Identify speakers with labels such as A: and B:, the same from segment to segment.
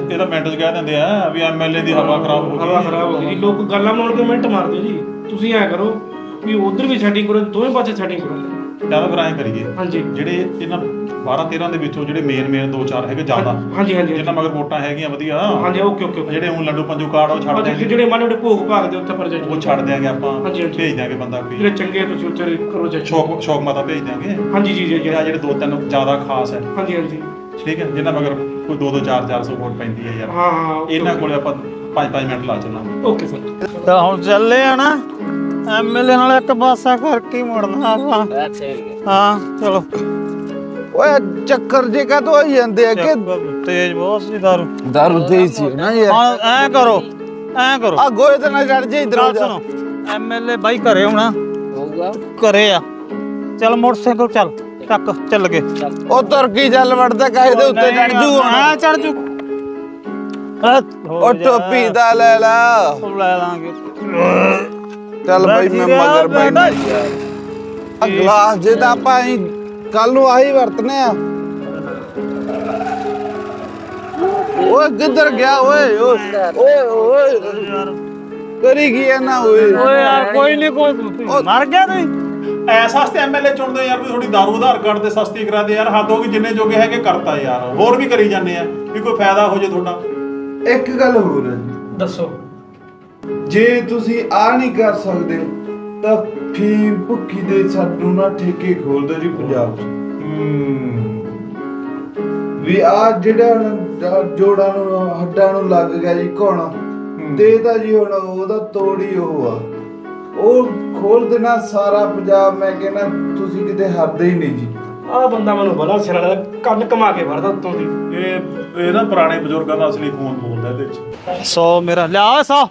A: ਇਹਦਾ ਮਿੰਟ 'ਚ ਕਹਿ ਦਿੰਦੇ ਆ ਵੀ ਐਮਐਲਏ ਦੀ ਹਵਾ ਖਰਾਬ ਹੋ ਗਈ।
B: ਹਵਾ ਖਰਾਬ ਹੋ ਗਈ ਜੀ। ਲੋਕ ਗੱਲਾਂ ਬਣਾਉਣ ਕੇ ਮਿੰਟ ਮਾਰਦੇ ਜੀ। ਤੁਸੀਂ ਐ ਕਰੋ ਵੀ ਉਧਰ ਵੀ ਸੈਟਿੰਗ ਕਰੋ, ਦੋਵੇਂ ਪਾਸੇ ਸੈਟਿੰਗ ਕਰੋ।
A: ਚੱਲ ਫਿਰ ਐਂ ਕਰੀਏ,
B: ਹਾਂਜੀ
A: ਜਿਹੜੇ ਇਹਨਾਂ 12-13 ਦੇ ਵਿੱਚੋਂ ਜਿਹੜੇ ਮੇਨ 2-4 ਹੈਗੇ ਜ਼ਿਆਦਾ,
B: ਹਾਂਜੀ ਹਾਂਜੀ
A: ਜਿੰਨਾ ਮਗਰ ਵੋਟਾਂ ਹੈਗੀਆਂ ਵਧੀਆ,
B: ਹਾਂਜੀ ਓਕੇ ਓਕੇ ਓਕੇ।
A: ਜਿਹੜੇ ਹੁਣ ਲੱਡੂ ਪੰਜੂ ਕਾਰਡ ਉਹ ਛੱਡ ਦਿਆਂਗੇ,
B: ਜਿਹੜੇ ਮਾੜੇ ਮੋਟੇ ਭੋਗ ਭਾਗ ਦੇ ਉੱਤੇ ਪ੍ਰੋਜੈਕਟ
A: ਉਹ ਛੱਡ ਦਿਆਂਗੇ ਆਪਾਂ।
B: ਹਾਂਜੀ ਹਾਂਜੀ
A: ਭੇਜ ਦਿਆਂਗੇ ਬੰਦਾ ਕੋਈ
B: ਜਿਹੜੇ ਚੰਗੇ ਤੁਸੀਂ ਉੱਤੇ ਕਰੋ ਚੈੱਕ।
A: ਸ਼ੌਕ ਮਾਤਾ ਭੇਜ ਦਿਆਂਗੇ।
B: ਹਾਂਜੀ ਜੀ ਜੀ
A: ਜਿਹੜੇ 2-3 ਜ਼ਿਆਦਾ ਖਾਸ ਹੈ,
B: ਹਾਂਜੀ ਹਾਂਜੀ
A: ਠੀਕ ਹੈ, ਜਿੰਨਾ ਮਗਰ ਕੋਈ 2-2 400 ਵੋਟ ਪੈਂਦੀ ਹੈ ਯਾਰ।
B: ਹਾਂ ਹਾਂ
A: ਇਹਨਾਂ ਕੋਲੇ ਆਪਾਂ 5-5 ਮਿੰਟ ਲਾ ਚੱਲਾਂਗੇ।
B: Okay sir.
C: ਤਾਂ ਹੁਣ ਚੱਲੇ ਆ ਨਾ ਐਮਐਲਏ ਨਾਲ ਇੱਕ ਪਾਸਾ ਕਰਕੇ ਹੀ ਮੁੜਨਾ ਆਪਾਂ। ਹਾਂ ਚਲੋ।
D: ਓਏ ਚੱਕਰ ਜੇ ਕਾ ਤੋਂ ਆਈ ਜਾਂਦੇ ਆ ਕਿ
C: ਤੇਜ਼ ਬਹੁਤ ਸੀ ਦਾਰੂ।
D: ਦਾਰੂ ਤੇਜ਼ ਸੀ ਨਾ ਯਾਰ।
C: ਹਾਂ ਐ ਕਰੋ
D: ਆ ਗੋਏ ਤੇ ਨਾ ਚੜ ਜੇ ਇਧਰ ਹੋ ਜਾ।
C: ਸੁਣੋ ਐਮਐਲਏ ਬਾਈ ਘਰੇ ਹੋਣਾ ਹੋਊਗਾ, ਘਰੇ ਆ। ਚੱਲ ਮੋਟਰਸਾਈਕਲ ਚੱਲ ਟੱਕ ਚੱਲ ਗਏ।
D: ਉਹ ਤੁਰਕੀ ਚੱਲ ਵੜਦਾ ਕਾਹੇ ਦੇ ਉੱਤੇ ਚੜ ਜੂ ਹੁਣ।
C: ਹਾਂ ਚੜ ਜੂ।
D: ਉਹ ਟੋਪੀ ਦਾ ਲੈ ਲਾ।
C: ਲੈ ਲਾਂਗੇ।
D: ਚੱਲ ਬਈ ਮੈਂ ਮਗਰ ਬੈਠਾ ਯਾਰ। ਆ ਗਲਾਸ ਜੇ ਤਾਂ ਆਪਾਂ ਕੱਲ ਨੂੰ ਆਹੀ ਵਰਤਨੇ ਆ। ਓਏ ਕਿੱਧਰ ਗਿਆ ਓਏ ਓਏ ਓਏ ਕਰੀ ਕੀ ਨਾ ਓਏ।
C: ਓਏ ਯਾਰ ਕੋਈ ਨਹੀਂ ਕੋਈ ਮਰ ਗਿਆ ਤੂੰ।
A: ਐਸਾ ਸਸਤੇ ਐਮਐਲਏ ਚੁਣਦੇ ਯਾਰ, ਵੀ ਥੋੜੀ ਦਾਰੂ ਆਧਾਰ ਕਾਰਡ ਤੇ ਸਸਤੀ ਕਰਾ ਦੇ ਯਾਰ। ਹੱਦ ਹੋ ਗਈ, ਜਿੰਨੇ ਜੋਗੇ ਹੈਗੇ ਕਰਤਾ ਯਾਰ। ਹੋਰ ਵੀ ਕਰੀ ਜਾਂਦੇ ਆ ਵੀ ਕੋਈ ਫਾਇਦਾ ਹੋ ਜੇ ਤੁਹਾਡਾ।
D: ਇੱਕ ਗੱਲ ਹੋਰ ਹੈ ਜੀ,
B: ਦੱਸੋ।
D: ਜੇ ਤੁਸੀਂ ਆ ਨਹੀਂ ਕਰ ਸਕਦੇ ਤਾਂ ਫੀਮ ਭੁੱਖੀ ਦੇ ਸਾਨੂੰ ਨਾ ਠੇਕੇ ਖੋਲ ਦਿਓ ਜੀ ਪੰਜਾਬ 'ਚ। ਵੀ ਆ ਜਿਹੜਾ ਹੁਣ ਜੋੜਾਂ ਨੂੰ ਹੱਡਾਂ ਨੂੰ ਲੱਗ ਗਿਆ ਜੀ ਘੁਣ, ਤੇ ਤਾਂ ਜੀ ਹੁਣ ਉਹਦਾ ਤੋੜੀ ਉਹ ਆ, ਉਹ ਖੋਲ ਦੇਣਾ ਸਾਰਾ ਪੰਜਾਬ। ਮੈਂ ਕਹਿੰਦਾ ਤੁਸੀਂ ਕਿਤੇ ਹੱਦ ਹੀ ਨਹੀਂ ਜੀ।
B: ਆਹ ਬੰਦਾ ਮੈਨੂੰ ਬੜਾ ਸਿਰ ਵਾਲਾ ਕੰਨ ਕਮਾ ਕੇ ਵੜਦਾ ਉੱਤੋਂ ਦੀ।
A: ਇਹ ਨਾ ਪੁਰਾਣੇ ਬਜ਼ੁਰਗਾਂ ਦਾ ਅਸਲੀ ਖੂਨ ਬੋਲਦਾ ਇਹਦੇ ਵਿੱਚ।
C: 100 ਮੇਰਾ ਲਿਆ 100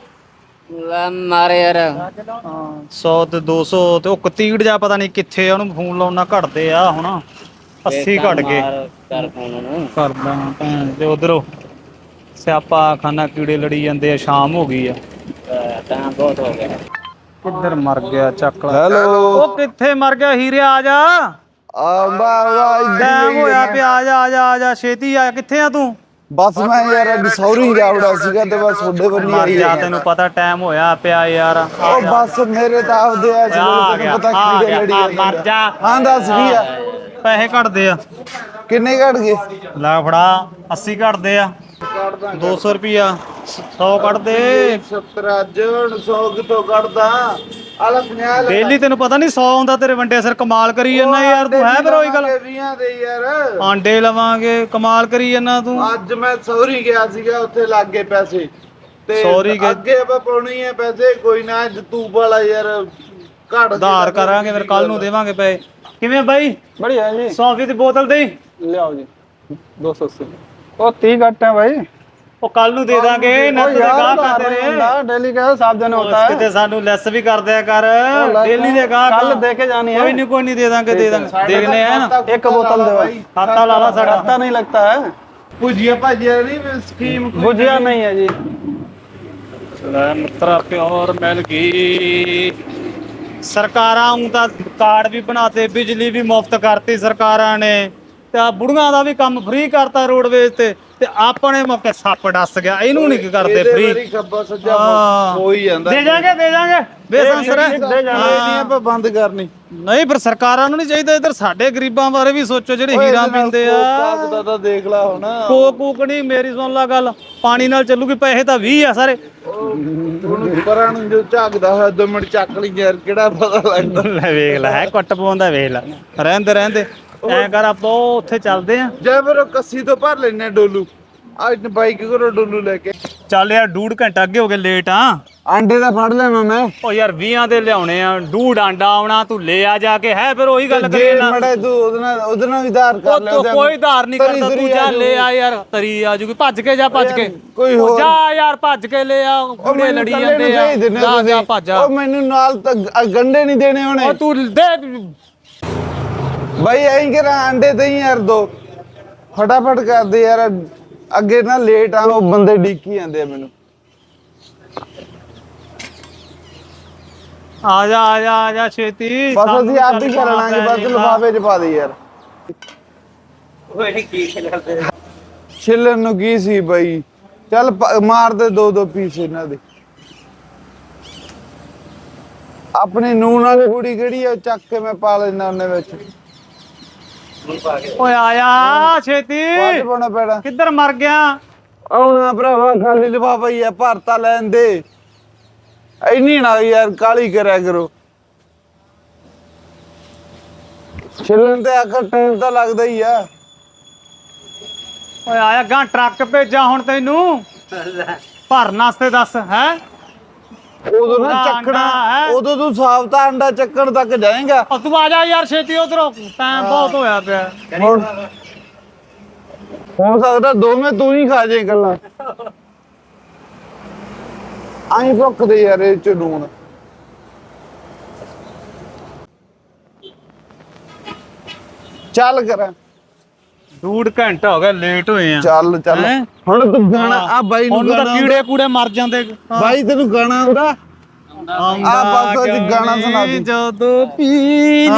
E: ਮਾਰੇ ਯਾਰ।
C: 100 ਤੇ 200 ਤੇ ਉਹ ਕਤੀੜ ਜਾ ਪਤਾ ਨਹੀਂ ਕਿੱਥੇ ਆ, ਉਹਨੂੰ ਫੋਨ ਲਾਉਣਾ ਘਟਦੇ ਆ ਹੁਣ 80 ਘਟ ਗਏ।
E: ਕਰ ਫੋਨ ਨੂੰ
C: ਕਰਦਾ ਭੈਣ ਤੇ ਉਧਰੋਂ ਸਿਆਪਾ ਖਾਨਾ ਕੀੜੇ ਲੜੀ ਜਾਂਦੇ ਆ। ਸ਼ਾਮ ਹੋ ਗਈ ਆ।
E: ਤਾਂ ਬਹੁਤ ਹੋ ਗਿਆ।
C: ਕਿੱਧਰ ਮਰ ਗਿਆ ਚੱਕ ਲੈ।
D: ਹੈਲੋ
C: ਉਹ ਕਿੱਥੇ ਮਰ ਗਿਆ ਹੀਰੇ? ਆ ਜਾ,
D: ਆ ਵਾਹ
C: ਟਾਈਮ ਹੋਇਆ ਪਿਆ। ਆ ਜਾ ਆ ਜਾ ਆ ਜਾ ਛੇਤੀ ਆ। ਕਿੱਥੇ ਆ ਤੂੰ?
D: ਬਸ ਮੈਂ ਯਾਰ ਅੱਜ ਸੌਰੀ ਜਾਵੜਾ ਸੀਗਾ ਤੇ ਬਸ ਤੁਹਾਡੇ ਬੰਨੀ
C: ਮਰ
D: ਆਈ
C: ਜਾ, ਤੈਨੂੰ ਪਤਾ ਟਾਈਮ ਹੋਇਆ ਪਿਆ ਯਾਰ।
D: ਉਹ ਬਸ ਮੇਰੇ ਤਾਂ ਆਪਦੇ ਆ ਤੈਨੂੰ ਪਤਾ ਕੀੜੇ ਲੜੀ
C: ਮਰ ਜਾ।
D: ਹਾਂ ਦੱਸ ਕੀ ਆ?
C: ਪੈਸੇ ਘਟਦੇ ਆ।
D: ਕਿੰਨੇ ਘਟ ਗਏ?
C: ਲੈ ਫੜਾ 80 ਘਟਦੇ ਆ। 200 ਰੁਪਿਆ 100 ਕੱਢ ਦੇ।
D: 70 ਅੱਜ 100 ਕਿਤੋਂ ਕੱਢਦਾ? ਆਲਾ 50
C: ਡੇਲੀ ਤੈਨੂੰ ਪਤਾ ਨਹੀਂ 100 ਹੁੰਦਾ ਤੇਰੇ ਵੰਡੇ ਸਿਰ। ਕਮਾਲ ਕਰੀ ਜਾਂਦਾ ਯਾਰ ਤੂੰ। ਹੈ ਫਿਰ ਉਹੀ ਗੱਲ,
D: 20 ਦੇ ਯਾਰ
C: ਆਂਡੇ ਲਵਾਂਗੇ। ਕਮਾਲ ਕਰੀ ਜਾਂਦਾ ਤੂੰ।
D: ਅੱਜ ਮੈਂ ਸੌਰੀ ਗਿਆ ਸੀਗਾ, ਉੱਥੇ ਲੱਗ ਗਏ ਪੈਸੇ ਤੇ
C: ਸੌਰੀ ਗਏ।
D: ਅੱਗੇ ਆਪਾਂ ਪਾਉਣੀ ਹੈ ਪੈਸੇ। ਕੋਈ ਨਾ ਅੱਜ ਤੂੰ ਵਾਲਾ ਯਾਰ ਘੜ
C: ਉਧਾਰ ਕਰਾਂਗੇ ਫਿਰ ਕੱਲ ਨੂੰ ਦੇਵਾਂਗੇ ਪੈਸੇ। ਕਿਵੇਂ ਬਾਈ?
F: बढ़िया जी।
C: 100 ਦੀ ਬੋਤਲ ਦੇ।
F: ले आओ जी 280। ओ 30 घट है भाई।
C: ਉਹ ਕੱਲ ਨੂੰ ਦੇ ਦਾਂਗੇ। ਨੱਤ ਦੇ ਗਾਹਕ ਆ ਤੇਰੇ।
F: डेली का साफ देना होता है।
C: ਕਿਤੇ ਸਾਨੂੰ ਲੈਸ ਵੀ ਕਰ ਦਿਆ ਕਰ। ਡੇਲੀ ਦੇ ਗਾਹਕ
F: कल देके जानी है।
C: ਕੋਈ ਨਹੀਂ ਦੇ ਦਾਂਗੇ ਦੇ ਦਾਂਗੇ। ਦੇਖਨੇ ਆ ਨਾ।
F: एक बोतल दे भाई।
C: ਖਾਤਾ ਲਾ ਲਾ ਸਾਡਾ।
F: खाता नहीं लगता है।
D: ਭੁਜੀਆ ਭਾਜੀਆ ਨਹੀਂ ਸਕੀਮ
F: भुजिया नहीं है जी।
C: ਲੈ ਮਿੱਤਰਾ ਪਿਓਰ ਮਿਲ ਗਈ। ਸਰਕਾਰਾਂ ਨੂੰ ਤਾਂ ਕਾਰਡ ਵੀ ਬਣਾਤੇ, ਬਿਜਲੀ ਵੀ ਮੁਫਤ ਕਰਤੀ ਸਰਕਾਰਾਂ ਨੇ, ਤੇ ਆ ਬੁੜੀਆਂ ਦਾ ਵੀ ਕੰਮ ਫ੍ਰੀ ਕਰਤਾ ਰੋਡਵੇਜ਼ ਤੇ ਆਪਣੇ ਮੌਕੇ ਸੱਪ ਡੱਸ ਗਿਆ। ਇਹਨੂੰ ਨਹੀਂ ਕਰਦੇ ਫ੍ਰੀ।
D: ਖੱਬਾ ਸੱਜਾ ਹੋ ਹੀ ਜਾਂਦਾ।
C: ਦੇ ਜਾਾਂਗੇ ਬੇਸੰਸਰ
D: ਨਹੀਂ ਆਪਾਂ ਬੰਦ ਕਰਨੀ।
C: ਨਹੀਂ ਫਿਰ ਸਰਕਾਰਾਂ ਨੂੰ ਨਹੀਂ ਚਾਹੀਦਾ ਇੱਧਰ ਸਾਡੇ ਗਰੀਬਾਂ ਬਾਰੇ ਵੀ ਸੋਚੋ ਜਿਹੜੇ ਹੀਰਾ ਪੀਂਦੇ ਆ।
D: ਕਾਗਦਾ ਤਾਂ ਦੇਖ ਲੈ ਹੁਣ।
C: ਕੋਕ ਨਹੀਂ, ਮੇਰੀ ਸੁਣ ਲਾ ਗੱਲ। ਪਾਣੀ ਨਾਲ ਚੱਲੂਗੀ। ਪੈਸੇ ਤਾਂ 20 ਆ ਸਾਰੇ।
D: ਉਹਨੂੰ ਪਰਾਂ ਨੂੰ ਜੋ ਝਾਕਦਾ ਹੋਇਆ 2 ਮਿੰਟ ਚੱਕ ਲਈ ਯਾਰ, ਕਿਹੜਾ ਪਤਾ ਲੱਗਦਾ।
C: ਲੈ ਵੇਖ ਲੈ, ਕੁੱਟ ਪਾਉਂਦਾ ਵੇਖ ਲੈ। ਰਹਿੰਦੇ ਐ ਕਰ ਆਪਾਂ ਉੱਥੇ ਚੱਲਦੇ ਆ।
D: ਜੇ ਫਿਰ ਉਹ ਕੱਸੀ ਤੋਂ ਭਰ ਲੈਣੇ ਡੋਲੂ। ਅੱਜ ਬਾਈਕ ਕਰੋ ਡੋਲੂ ਲੈ ਕੇ।
C: ਚੱਲ ਯਾਰ 1.5 ਘੰਟਾ ਅੱਗੇ ਹੋ ਗਏ, ਲੇਟ ਆ।
D: ਆਂਡੇ ਦਾ ਫੜ ਲੈਣਾ ਮੈਂ।
C: ਓ ਯਾਰ 20 ਦੇ ਲਿਆਉਣੇ ਆ। 1.5 ਆਂਡਾ ਆਉਣਾ, ਤੂੰ ਲੈ ਆ ਜਾ ਕੇ। ਹੈ ਫਿਰ ਉਹੀ ਗੱਲ ਕਰੀ ਨਾ।
D: ਮੜੇ ਤੂੰ ਉਹਦੇ ਨਾਲ ਵੀ ਧਾਰ ਕਰ ਲੈ।
C: ਕੋਈ ਧਾਰ ਨਹੀਂ ਕਰਦਾ। ਤੂੰ ਜਾ ਲੈ ਆ ਯਾਰ। ਤਰੀ ਆ ਜੂਗੀ। ਭੱਜ ਕੇ ਜਾ, ਭੱਜ ਕੇ।
D: ਕੋਈ ਹੋਰ
C: ਜਾ ਯਾਰ ਭੱਜ ਕੇ ਲੈ ਆ। ਕੁੜੇ ਲੜੀ ਜਾਂਦੇ ਆ। ਜਾ ਭੱਜ।
D: ਉਹ ਮੈਨੂੰ ਨਾਲ ਤਾਂ ਗੰਡੇ ਨਹੀਂ ਦੇਣੇ ਹੋਣੇ।
C: ਓ ਤੂੰ ਦੇ
D: ਬਾਈ ਐਂ ਕਰਾਂ ਆਂਡੇ ਤੇ ਹੀ ਯਾਰ 2 ਫਟਾਫਟ ਕਰਦੇ ਯਾਰ। ਅੱਗੇ ਨਾ ਲੇਟ ਆ, ਉਹ ਬੰਦੇ ਡੀਕੀ ਜਾਂਦੇ ਆ ਮੈਨੂੰ।
C: ਆ ਜਾ ਛੇਤੀ।
D: ਬਸ ਅਸੀਂ ਆਪ ਹੀ ਕਰ ਲਾਂਗੇ। ਬਸ ਲਿਫਾਫੇ 'ਚ ਪਾ ਦੇ ਯਾਰ।
E: ਓਏ ਕੀ ਖਿਲਾਉਂਦੇ?
D: ਛਿੱਲਣ ਨੂੰ ਕੀ ਸੀ ਬਾਈ? ਚੱਲ ਮਾਰ ਦੇ 2-2 ਪੀਸ ਇਹਨਾਂ ਦੇ। ਆਪਣੀ ਨੂਨ ਵਾਲੀ ਕੁੜੀ ਕਿਹੜੀ ਆ, ਚੱਕ ਕੇ ਮੈਂ ਪਾ ਲੈਣਾ ਉਹਨੇ ਵਿੱਚ।
C: ਓਏ ਆਇਆ ਛੇਤੀ,
D: ਵੱਧ ਪਾਉਣਾ ਪੈਣਾ।
C: ਕਿੱਧਰ ਮਰ ਗਿਆ?
D: ਆਉਣਾ ਭਰਾਵਾ, ਖਾਲੀ ਲਿਫਾਫਾ ਹੀ ਆ, ਭਰਤਾ ਲੈਣ ਦੇ। ਇੰਨੀ ਨਾ ਯਾਰ ਕਾਲੀ ਕਰਿਆ ਕਰੋ। ਛਿਲਣ ਤੇ ਆਖਰ ਟਾਈਮ ਤਾਂ ਲੱਗਦਾ ਹੀ ਆ।
C: ਓਏ ਆਇਆ ਗਾਂ ਟਰੱਕ ਭੇਜਾਂ ਹੁਣ ਤੈਨੂੰ ਭਰਨ ਵਾਸਤੇ, ਦੱਸ ਹੈ।
D: ਉਦੋਂ ਨਾ
C: ਪੂਰਾ
D: ਚੱਕਣਾ,
C: ਅੰਡਾ ਹੈ।
D: ਉਦੋਂ ਤੂੰ ਸਾਫਤਾ ਅੰਡਾ ਚੱਕਣ ਤੱਕ ਜਾਏਗਾ।
C: ਉਹ ਤੂੰ ਆ ਜਾ ਯਾਰ ਛੇਤੀ ਉਧਰੋਂ, ਟਾਈਮ ਬਹੁਤ ਹੋਇਆ ਪਿਆ।
D: ਹੁਣ ਹੋ ਸਕਦਾ ਦੋਵੇਂ ਤੂੰ ਹੀ ਖਾ ਜੇ ਗੱਲਾਂ। ਆਈ ਭੁੱਖਦੇ ਯਾਰ ਇਹ ਚ ਨੂਣ। ਚੱਲ ਕਰਾਂ,
C: 2 ਘੰਟਾ ਹੋ ਗਿਆ ਲੇਟ ਹੋਏ ਆ।
D: ਚੱਲ ਚੱਲ।
C: ਹੈਂ?
D: ਹੁਣ ਤੂੰ ਗਾਣਾ ਆ ਬਾਈ ਨੂੰ
C: ਉਹਨੂੰ ਤਾਂ
D: ਗਾਣਾ
C: ਕੀੜੇ ਕੂੜੇ ਮਰ ਜਾਂਦੇ।
D: ਬਾਈ ਤੈਨੂੰ ਗਾਣਾ ਆਉਂਦਾ? ਆ ਬਸ ਅੱਜ ਗਾਣਾ ਸੁਣਾ ਦੇ।
C: ਜਦੋਂ ਪੀਣੀ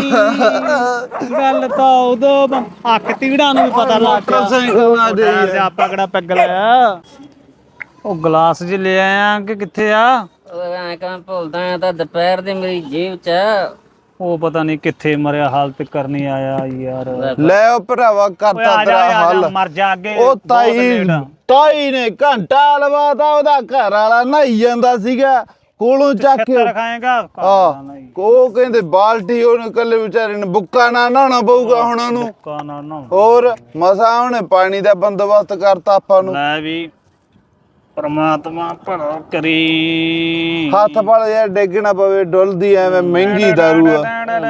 C: ਗੱਲ ਤਾਂ ਉਦੋਂ ਅੱਖ ਤੀੜਾਂ ਨੂੰ ਵੀ ਪਤਾ ਲੱਗ ਗਿਆ।
D: ਮੋਟਰਸਾਈਕਲ ਨਾ ਦੇ ਯਾਰ।
C: ਆਪਾਂ ਕਿਹੜਾ ਪੈਗ ਲਿਆ? ਉਹ ਗਲਾਸ ਜਿ ਲੈ ਆਇਆ ਕਿ ਕਿੱਥੇ ਆ?
E: ਓਏ ਐਂ ਕਾਂ ਭੁੱਲਦਾ ਆ ਤਾਂ ਦੁਪਹਿਰ ਦੇ ਮੇਰੀ ਜੇਬ 'ਚ ਆ।
C: ਉਹ ਪਤਾ ਨਹੀਂ ਕਿੱਥੇ ਮਰਿਆ, ਹਾਲ ਤੇ ਕਰਨੀ ਆਇਆ ਯਾਰ।
D: ਲੈ ਉਹ ਭਰਾਵਾ
C: ਓਏ
D: ਕਰਤਾ
C: ਆ ਜਾ,
D: ਤੇਰਾ
C: ਆ ਜਾ,
D: ਹੱਲ।
C: ਮਰ ਜਾ ਅੱਗੇ।
D: ਉਹ
C: ਬਹੁਤ
D: ਤਾਈ
C: ਲੇਟ ਆ।
D: ਤਾਈ ਨੇ ਘੰਟਾ ਲਵਾਤਾ, ਉਹਦਾ ਘਰ ਵਾਲਾ ਨਹਾਈ ਜਾਂਦਾ ਸੀਗਾ ਕੋਲੋਂ ਚੱਕ ਕੇ।
C: ਛੱਤਰ ਖਾਏਗਾ।
D: ਆ ਉਹ ਕਹਿੰਦੇ ਬਾਲਟੀ ਉਹਨੇ ਕੱਲੇ ਵਿਚਾਰੇ ਨੇ ਬੁੱਕਾ ਨਾ ਨਹਾਉਣਾ ਪਊਗਾ ਹੁਣ ਉਹਨੂੰ।
C: ਕਾਨਾ ਨਾ
D: ਹੋਰ ਮਸਾ ਉਹਨੇ ਪਾਣੀ ਦਾ ਬੰਦੋਬਸਤ ਕਰਤਾ ਆਪਾਂ ਨੂੰ।
C: ਲੈ ਵੀ ਪਰਮਾਤਮਾ ਭਲਾ ਕਰੀ।
D: ਹੱਥ ਪੜ ਯਾਰ ਡਿੱਗ ਨਾ ਪਵੇ, ਡੁੱਲਦੀ ਐਵੇਂ ਮਹਿੰਗੀ ਦਾਰੂ ਆ।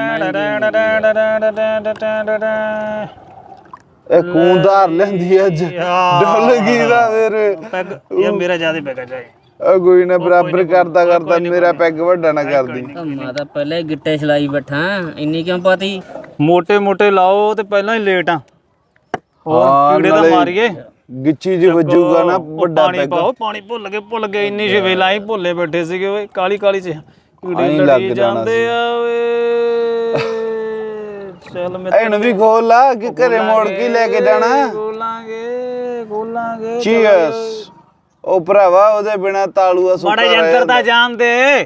D: ਇਹ ਕੂੰਦਾਰ ਲੈਂਦੀ ਅੱਜ, ਡੁੱਲ ਗਈ ਦਾ ਮੇਰੇ।
C: ਪੈਗ ਇਹ ਮੇਰਾ ਜਿਆਦਾ ਪੈਗਾ ਜਾਏ।
D: ਉਹ ਕੋਈ ਨਾ ਬਰਾਬਰ ਕਰਦਾ ਕਰਦਾ ਮੇਰਾ ਪੈਗ ਵੱਡਾ ਨਾ ਕਰਦੀ।
E: ਮੈਂ ਤਾਂ ਪਹਿਲਾਂ ਹੀ ਗਿੱਟੇ ਛਲਾਈ ਬੈਠਾ, ਇੰਨੀ ਕਿਉਂ ਪਾਤੀ?
C: ਮੋਟੇ ਮੋਟੇ ਲਾਓ ਤੇ ਪਹਿਲਾਂ ਹੀ ਲੇਟ ਆ। ਹੋਰ ਕੀੜੇ ਤਾਂ ਮਾਰੀਏ।
D: ਗਿੱਚੀ ਜੀ ਵੱਜੂਗਾ ਨਾ ਵੱਡਾ
C: ਪਾਣੀ
D: ਪੈਗ।
C: ਪਾਓ, ਪਾਣੀ ਭੁੱਲ ਗਏ ਇੰਨੀ ਸ਼ਵੇਲਾ ਹੀ ਭੁੱਲੇ ਬੈਠੇ ਸੀਗੇ ਓਏ। ਕਾਲੀ ਕਾਲੀ ਚ ਕੀੜੇ
D: ਆਈਂ ਲੱਗ
C: ਲੜੀ
D: ਜਾਣਾ
C: ਜਾਂਦੇ ਆ ਓਏ। ਚੱਲ ਮੈਂ
D: ਇਹਨੂੰ ਵੀ ਖੋਲ ਲਾ ਕਿ ਘਰੇ ਮੋੜ ਕੇ ਲੈ ਕੇ ਜਾਣਾ।
C: ਖੋਲਾਂਗੇ।
D: ਚੀਅਰਸ। ਉਹ ਭਰਾਵਾ ਉਹਦੇ ਬਿਨਾ ਤਾਲੂਆ ਸੁੱਕਾ
C: ਮਾੜਾ ਯੰਤਰ ਦਾ ਜਾਣ ਦੇ।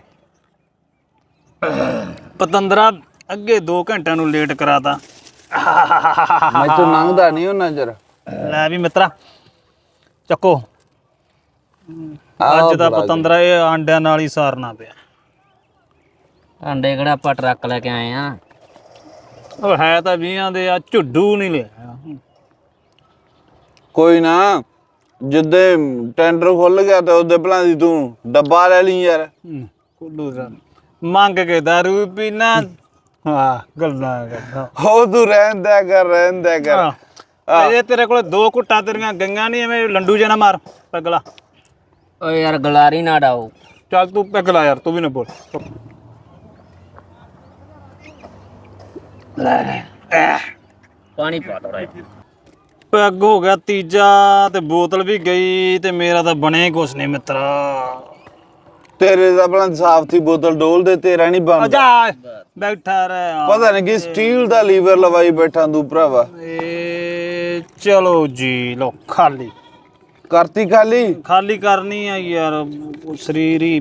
C: ਪਤੰਦਰਾ ਅੱਗੇ 2 ਘੰਟਿਆਂ ਨੂੰ ਲੇਟ ਕਰਾਤਾ।
D: ਮੈਂ ਤੂੰ ਲੰਘਦਾ ਨਹੀਂ ਉਹਨਾਂ ਜਰ।
C: ਲੈ ਵੀ ਮਿੱਤਰਾ ਚੱਕੋ। ਅੱਜ ਦਾ ਪਤੰਦਰਾ ਇਹ ਆਂਡਿਆਂ ਨਾਲ ਹੀ ਸਾਰਨਾ ਪਿਆ।
E: ਆਂਡੇ ਕਿਹੜਾ ਆਪਾਂ ਟਰੱਕ ਲੈ ਕੇ ਆਏ ਆ?
C: ਉਹ ਹੈ ਤਾਂ 20 ਦੇ ਆ, ਝੁੱਡੂ ਨਹੀਂ ਲਿਆ।
D: ਕੋਈ ਨਾ, ਜਿੱਦੇ ਟੈਂਡਰ ਖੁੱਲ ਗਿਆ ਤੇ ਉਹਦੇ ਭਲਾਂ ਦੀ ਤੂੰ ਡੱਬਾ ਲੈ ਲਈ ਯਾਰ।
C: ਕੁੱਲੂ ਦਾ ਮੰਗ ਕੇ ਦਾਰੂ ਪੀਣਾ। ਹਾਂ ਗੱਲਾਂ ਕਰਦਾ।
D: ਹੋ ਤੂੰ ਰਹਿਣ ਦਿਆ ਕਰ।
C: ਇਹ ਤੇਰੇ ਕੋਲ 2 ਘੁੱਟਾਂ ਤੇਰੀਆਂ ਗਈਆਂ ਨਹੀਂ, ਐਵੇਂ ਲੰਡੂ ਜਿਹਾ ਨਾ ਮਾਰ ਪਗਲਾ।
E: ਓਏ ਯਾਰ ਗਲਾਰੀ ਨਾ ਡਾਓ।
C: ਚੱਲ ਤੂੰ ਪਗਲਾ ਯਾਰ, ਤੂੰ ਵੀ ਨਾ ਬੋਲ।
E: ਪਾਣੀ ਪਾ ਦੋ।
C: ਪੈਗ ਹੋ ਗਿਆ ਤੀਜਾ ਤੇ ਬੋਤਲ ਵੀ ਗਈ ਤੇ ਮੇਰਾ ਤਾਂ ਬਣੇ ਕੁਛ ਨਹੀਂ ਮਿੱਤਰਾ।
D: ਤੇਰੇ ਦਾ ਭਲਾਂ ਸਾਫ ਥੀ ਬੋਤਲ ਡੋਲ ਦੇ, ਤੇਰਾ ਨਹੀਂ ਬਣਦਾ।
C: ਜਾ ਬੈਠਾ ਰਹਿ।
D: ਪਤਾ ਨਹੀਂ ਕਿ ਸਟੀਲ ਦਾ ਲੀਵਰ ਲਵਾਈ ਬੈਠਾ ਤੂੰ ਭਰਾਵਾ।
C: ਏ ਚਲੋ ਜੀ ਲੋ ਖਾਲੀ
D: ਕਰਤੀ ਖਾਲੀ
C: ਕਰਨੀ ਆ ਯਾਰ, ਸਰੀਰ ਹੀ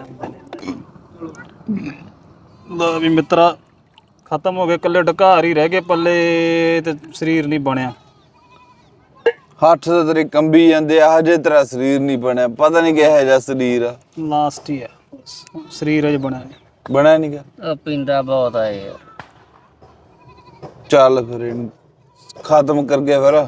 C: ਲੋ ਵੀ ਮਿੱਤਰਾ ਖਤਮ ਹੋ ਗਏ, ਕੱਲੇ ਢਕਾਰ ਹੀ ਰਹਿ ਗਏ ਪੱਲੇ ਤੇ ਸਰੀਰ ਨਹੀਂ ਬਣਿਆ।
D: ਹੱਥ ਤੇ ਤੇਰੇ ਕੰਬੀ ਜਾਂਦੇ ਆ, ਹਜੇ ਤੇਰਾ ਸਰੀਰ ਨਹੀਂ ਬਣਿਆ। ਪਤਾ ਨਹੀਂ ਕਿਹੋ ਜਿਹਾ ਸਰੀਰ ਆ।
C: ਲਾਸਟ ਹੀ ਆ ਸਰੀਰ ਅਜ ਬਣਿਆ
D: ਬਣਿਆ ਨਹੀਂ ਗਾ।
E: ਉਹ ਪੀਂਦਾ ਬਹੁਤ ਆ ਯਾਰ।
D: ਚੱਲ ਫਿਰ ਇਹਨੂੰ ਖਤਮ ਕਰ ਗਿਆ ਫਿਰ।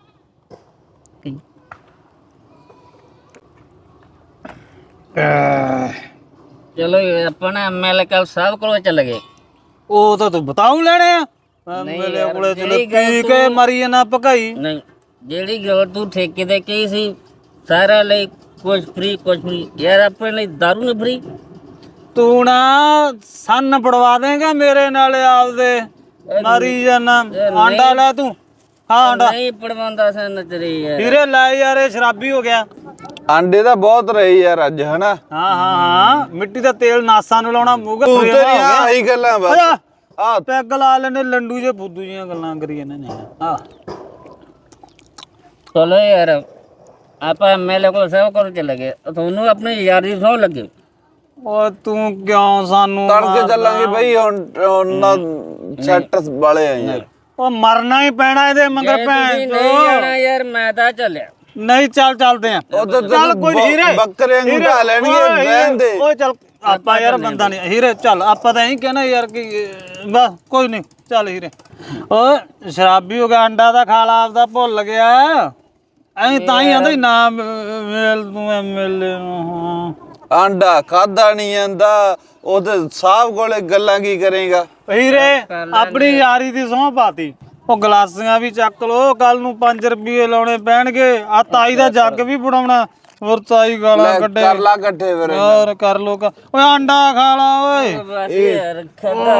E: ਚਲੋ ਆਪਾਂ ਨਾ ਐਮਐਲਏ ਕੱਲ ਸਾਹਿਬ ਕੋਲ ਚੱਲ ਗਏ।
C: ਉਹ ਤਾਂ ਤੂੰ ਬਤਾਉ ਲੈਣੇ ਆ ਮੇਰੇ
E: ਯਾਰ,
C: ਕੋਲੇ ਚਲੋ
E: ਜਿਹੜੀ ਗੱਲ
C: ਪੀ ਕੇ ਮਰੀ ਜਾਣਾ ਭਕਾਈ।
E: ਨਹੀਂ, ਜਿਹੜੀ ਗੱਲ ਤੂੰ ਠੇਕੇ ਤੇ ਕਹੀ ਸੀ ਸਾਰਿਆਂ ਲਈ ਕੁਝ ਫ੍ਰੀ ਯਾਰ, ਆਪਣੇ ਲਈ ਦਾਰੂ ਨਹੀਂ ਫ੍ਰੀ।
C: ਤੂੰ ਨਾ ਸੰਨ ਪੜਵਾ ਦੇਗਾ ਮੇਰੇ ਨਾਲ ਆਪਦੇ, ਮਾਰੀ ਜਾਣਾ। ਆਂਡਾ ਲੈ ਤੂੰ। ਹਾਂ ਆਂਡਾ
E: ਨਹੀਂ ਪੜਵਾਉਂਦਾ ਸਨ ਤੇਰੇ ਯਾਰ।
C: ਹੀਰੇ ਲੈ ਯਾਰ, ਇਹ ਸ਼ਰਾਬੀ ਹੋ ਗਿਆ।
D: ਆਂਡੇ ਤਾਂ ਬਹੁਤ ਰਹੇ ਯਾਰ ਅੱਜ, ਹਨਾ।
C: ਹਾਂ ਮਿੱਟੀ ਦਾ ਤੇਲ ਨਾਸਾਂ ਨੂੰ ਲਾਉਣਾ ਮੂਗਾ
D: ਤੂੰ ਤੇਰੀਆਂ ਆਹੀ ਗੱਲਾਂ ਬਸ। ਆ
C: ਪੈਗ ਲਾ ਲੈਣੇ ਲੰਡੂ ਜੇ ਫੁੱਦੂ ਜੀਆਂ ਗੱਲਾਂ ਕਰੀ ਜਾਂਦੇ ਨੇ। ਆ
E: ਚਲੋ ਯਾਰ ਆਪਾਂ ਐਮਐਲਏ ਕੋਲ ਸੇਵਾ ਕਰਨ ਚਲੇ ਗਏ ਤੁਹਾਨੂੰ ਆਪਣੀ ਯਾਰੀ ਸੌ ਲੱਗੇ।
C: ਓ ਤੂੰ ਕਿਉਂ ਸਾਨੂੰ
D: ਤੜਕੇ ਚੱਲਾਂਗੇ ਬਈ ਹੁਣ ਉਹਨਾਂ ਸੈਟ ਵਾਲੇ ਆ ਯਾਰ।
C: ਉਹ ਮਰਨਾ ਹੀ ਪੈਣਾ ਇਹਦੇ ਮਗਰ
E: ਜੇ
C: ਭੈਣ
E: ਤੁਸੀਂ ਨਹੀਂ ਜਾਣਾ ਯਾਰ ਮੈਂ ਤਾਂ ਚੱਲਿਆ।
C: ਨਹੀਂ ਚੱਲਦੇ ਆ
D: ਉਧਰ
C: ਚੱਲ ਕੋਈ ਨੀ, ਹੀਰੇ
D: ਬੱਕਰੇ ਨੂੰ ਢਾ ਲੈਣਗੇ
C: ਓਏ
D: ਬਹਿਣ ਦੇ।
C: ਓਏ ਚੱਲ ਆਪਾਂ ਯਾਰ ਬੰਦਾ ਨਹੀਂ ਹੀਰੇ ਚੱਲ ਆਪਾਂ ਤਾਂ ਇਹੀ ਕਹਿਣਾ ਯਾਰ ਕਿ ਬਸ ਕੋਈ ਨਹੀਂ ਚੱਲ ਹੀਰੇ। ਓਏ ਸ਼ਰਾਬੀ ਹੋ ਗਿਆ ਅੰਡਾ ਦਾ ਖਾ ਲਾ ਆਪਦਾ ਭੁੱਲ ਗਿਆ ਐਂ ਤਾਂ ਹੀ ਆਂਦਾ ਨਾ ਮੇਲ ਤੂੰ ਐਮਐਲਏ ਨੂੰ
D: ਆਂਡਾ ਖਾਦਾ ਨਹੀਂ ਜਾਂਦਾ ਉਹਦੇ ਸਾਹਿਬ ਕੋਲੇ ਗੱਲਾਂ ਕੀ ਕਰੇਗਾ।
C: ਹੀਰੇ ਆਪਣੀ ਯਾਰੀ ਦੀ ਸਹੁੰ ਪਾਤੀ। ਉਹ ਗਲਾਸੀਆਂ ਵੀ ਚੱਕ ਲੋ ਕੱਲ ਨੂੰ 5 ਰੁਪਏ ਲਾਉਣੇ ਪੈਣਗੇ ਆ ਤਾਈ ਦਾ ਜੱਗ ਵੀ ਬਣਾਉਣਾ ਹੋਰ ਤਾਈ ਗਾਲਾਂ ਕੱਢੇ
D: ਕਰ ਲਾ ਇਕੱਠੇ ਫਿਰ
C: ਹੋਰ ਕਰ ਲੋ ਓਏ ਅੰਡਾ ਖਾ ਲਾ ਓਏ
E: ਬਸ ਯਾਰ ਖੱਦਾ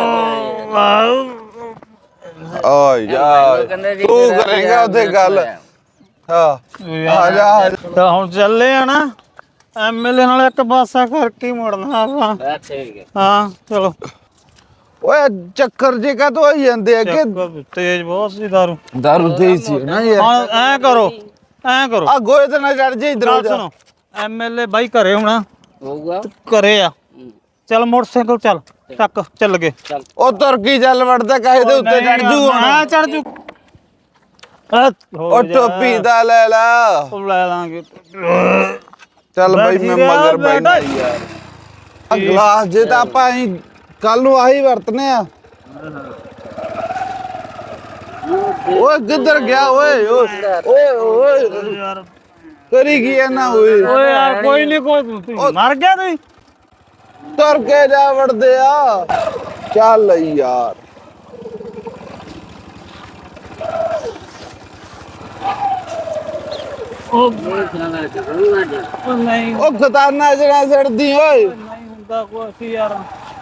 D: ਓਏ ਯਾਰ ਤੂੰ ਕਰੇਗਾ ਉਹਦੇ ਗੱਲ। ਹਾਂ ਆ ਜਾ
C: ਤਾਂ ਹੁਣ ਚੱਲੇ ਆ ਨਾ ਐਮਐਲਏ ਨਾਲ ਇੱਕ ਪਾਸਾ ਕਰਕੇ ਹੀ ਮੁੜਨਾ ਆਪਾਂ।
E: ਠੀਕ ਹੈ।
C: ਹਾਂ ਚਲੋ
D: ਓਏ ਚੱਕਰ ਜੇ ਕਾ ਤੋਂ ਹੋਈ ਜਾਂਦੇ ਆ ਕਿ
C: ਤੇਜ਼ ਬਹੁਤ ਸੀ ਦਾਰੂ
D: ਦਾਰੂ ਤੇਜ਼ ਸੀ ਨਾ ਯਾਰ।
C: ਹਾਂ ਐ ਕਰੋ
D: ਆ ਗੋਏ ਤੇ ਨਾ ਚੜ ਜੇ ਇਧਰ
C: ਗੱਲ ਸੁਣੋ ਐਮਐਲਏ ਬਾਈ ਘਰੇ ਹੋਣਾ
E: ਹੋਊਗਾ
C: ਘਰੇ ਆ ਚੱਲ ਮੋਟਰਸਾਈਕਲ ਚੱਲ ਗਏ
D: ਉਹ ਤੁਰਕੀ ਚੱਲ ਵੜਦਾ ਕਾਹੇ ਦੇ ਉੱਤੇ ਚੜ ਜੂ ਹੁਣ।
C: ਚੜ ਜੂ
D: ਉਹ ਟੋਪੀ ਦਾ ਲੈ ਲਾ
C: ਲੈ ਲਾਂਗੇ
D: ਚੱਲ ਬਈ ਮੈਂ ਮਗਰ ਬੈਠਾ ਯਾਰ। ਆ ਗਲਾਸ ਜੇ ਤਾਂ ਆਪਾਂ ਕੱਲ ਨੂੰ ਆਹੀ ਵਰਤਨੇ ਆ। ਓਏ ਕਿੱਧਰ ਗਿਆ ਓਏ ਓਏ ਓਏ ਕਰੀ ਕੀ ਨਾ ਓਏ
C: ਓਏ ਯਾਰ ਕੋਈ ਨਹੀਂ ਕੋਈ ਮਰ ਗਿਆ ਤੂੰ
D: ਤੁਰ ਕੇ ਜਾ ਵੜਦੇ ਆ ਚੱਲ ਯਾਰ।
C: ਉਹ ਨਹੀਂ
D: ਉਹ ਖਤਾਨਾ ਜਣਾ ਸੜਦੀ ਓਏ
C: ਨਹੀਂ ਹੁੰਦਾ ਕੁਛ ਯਾਰ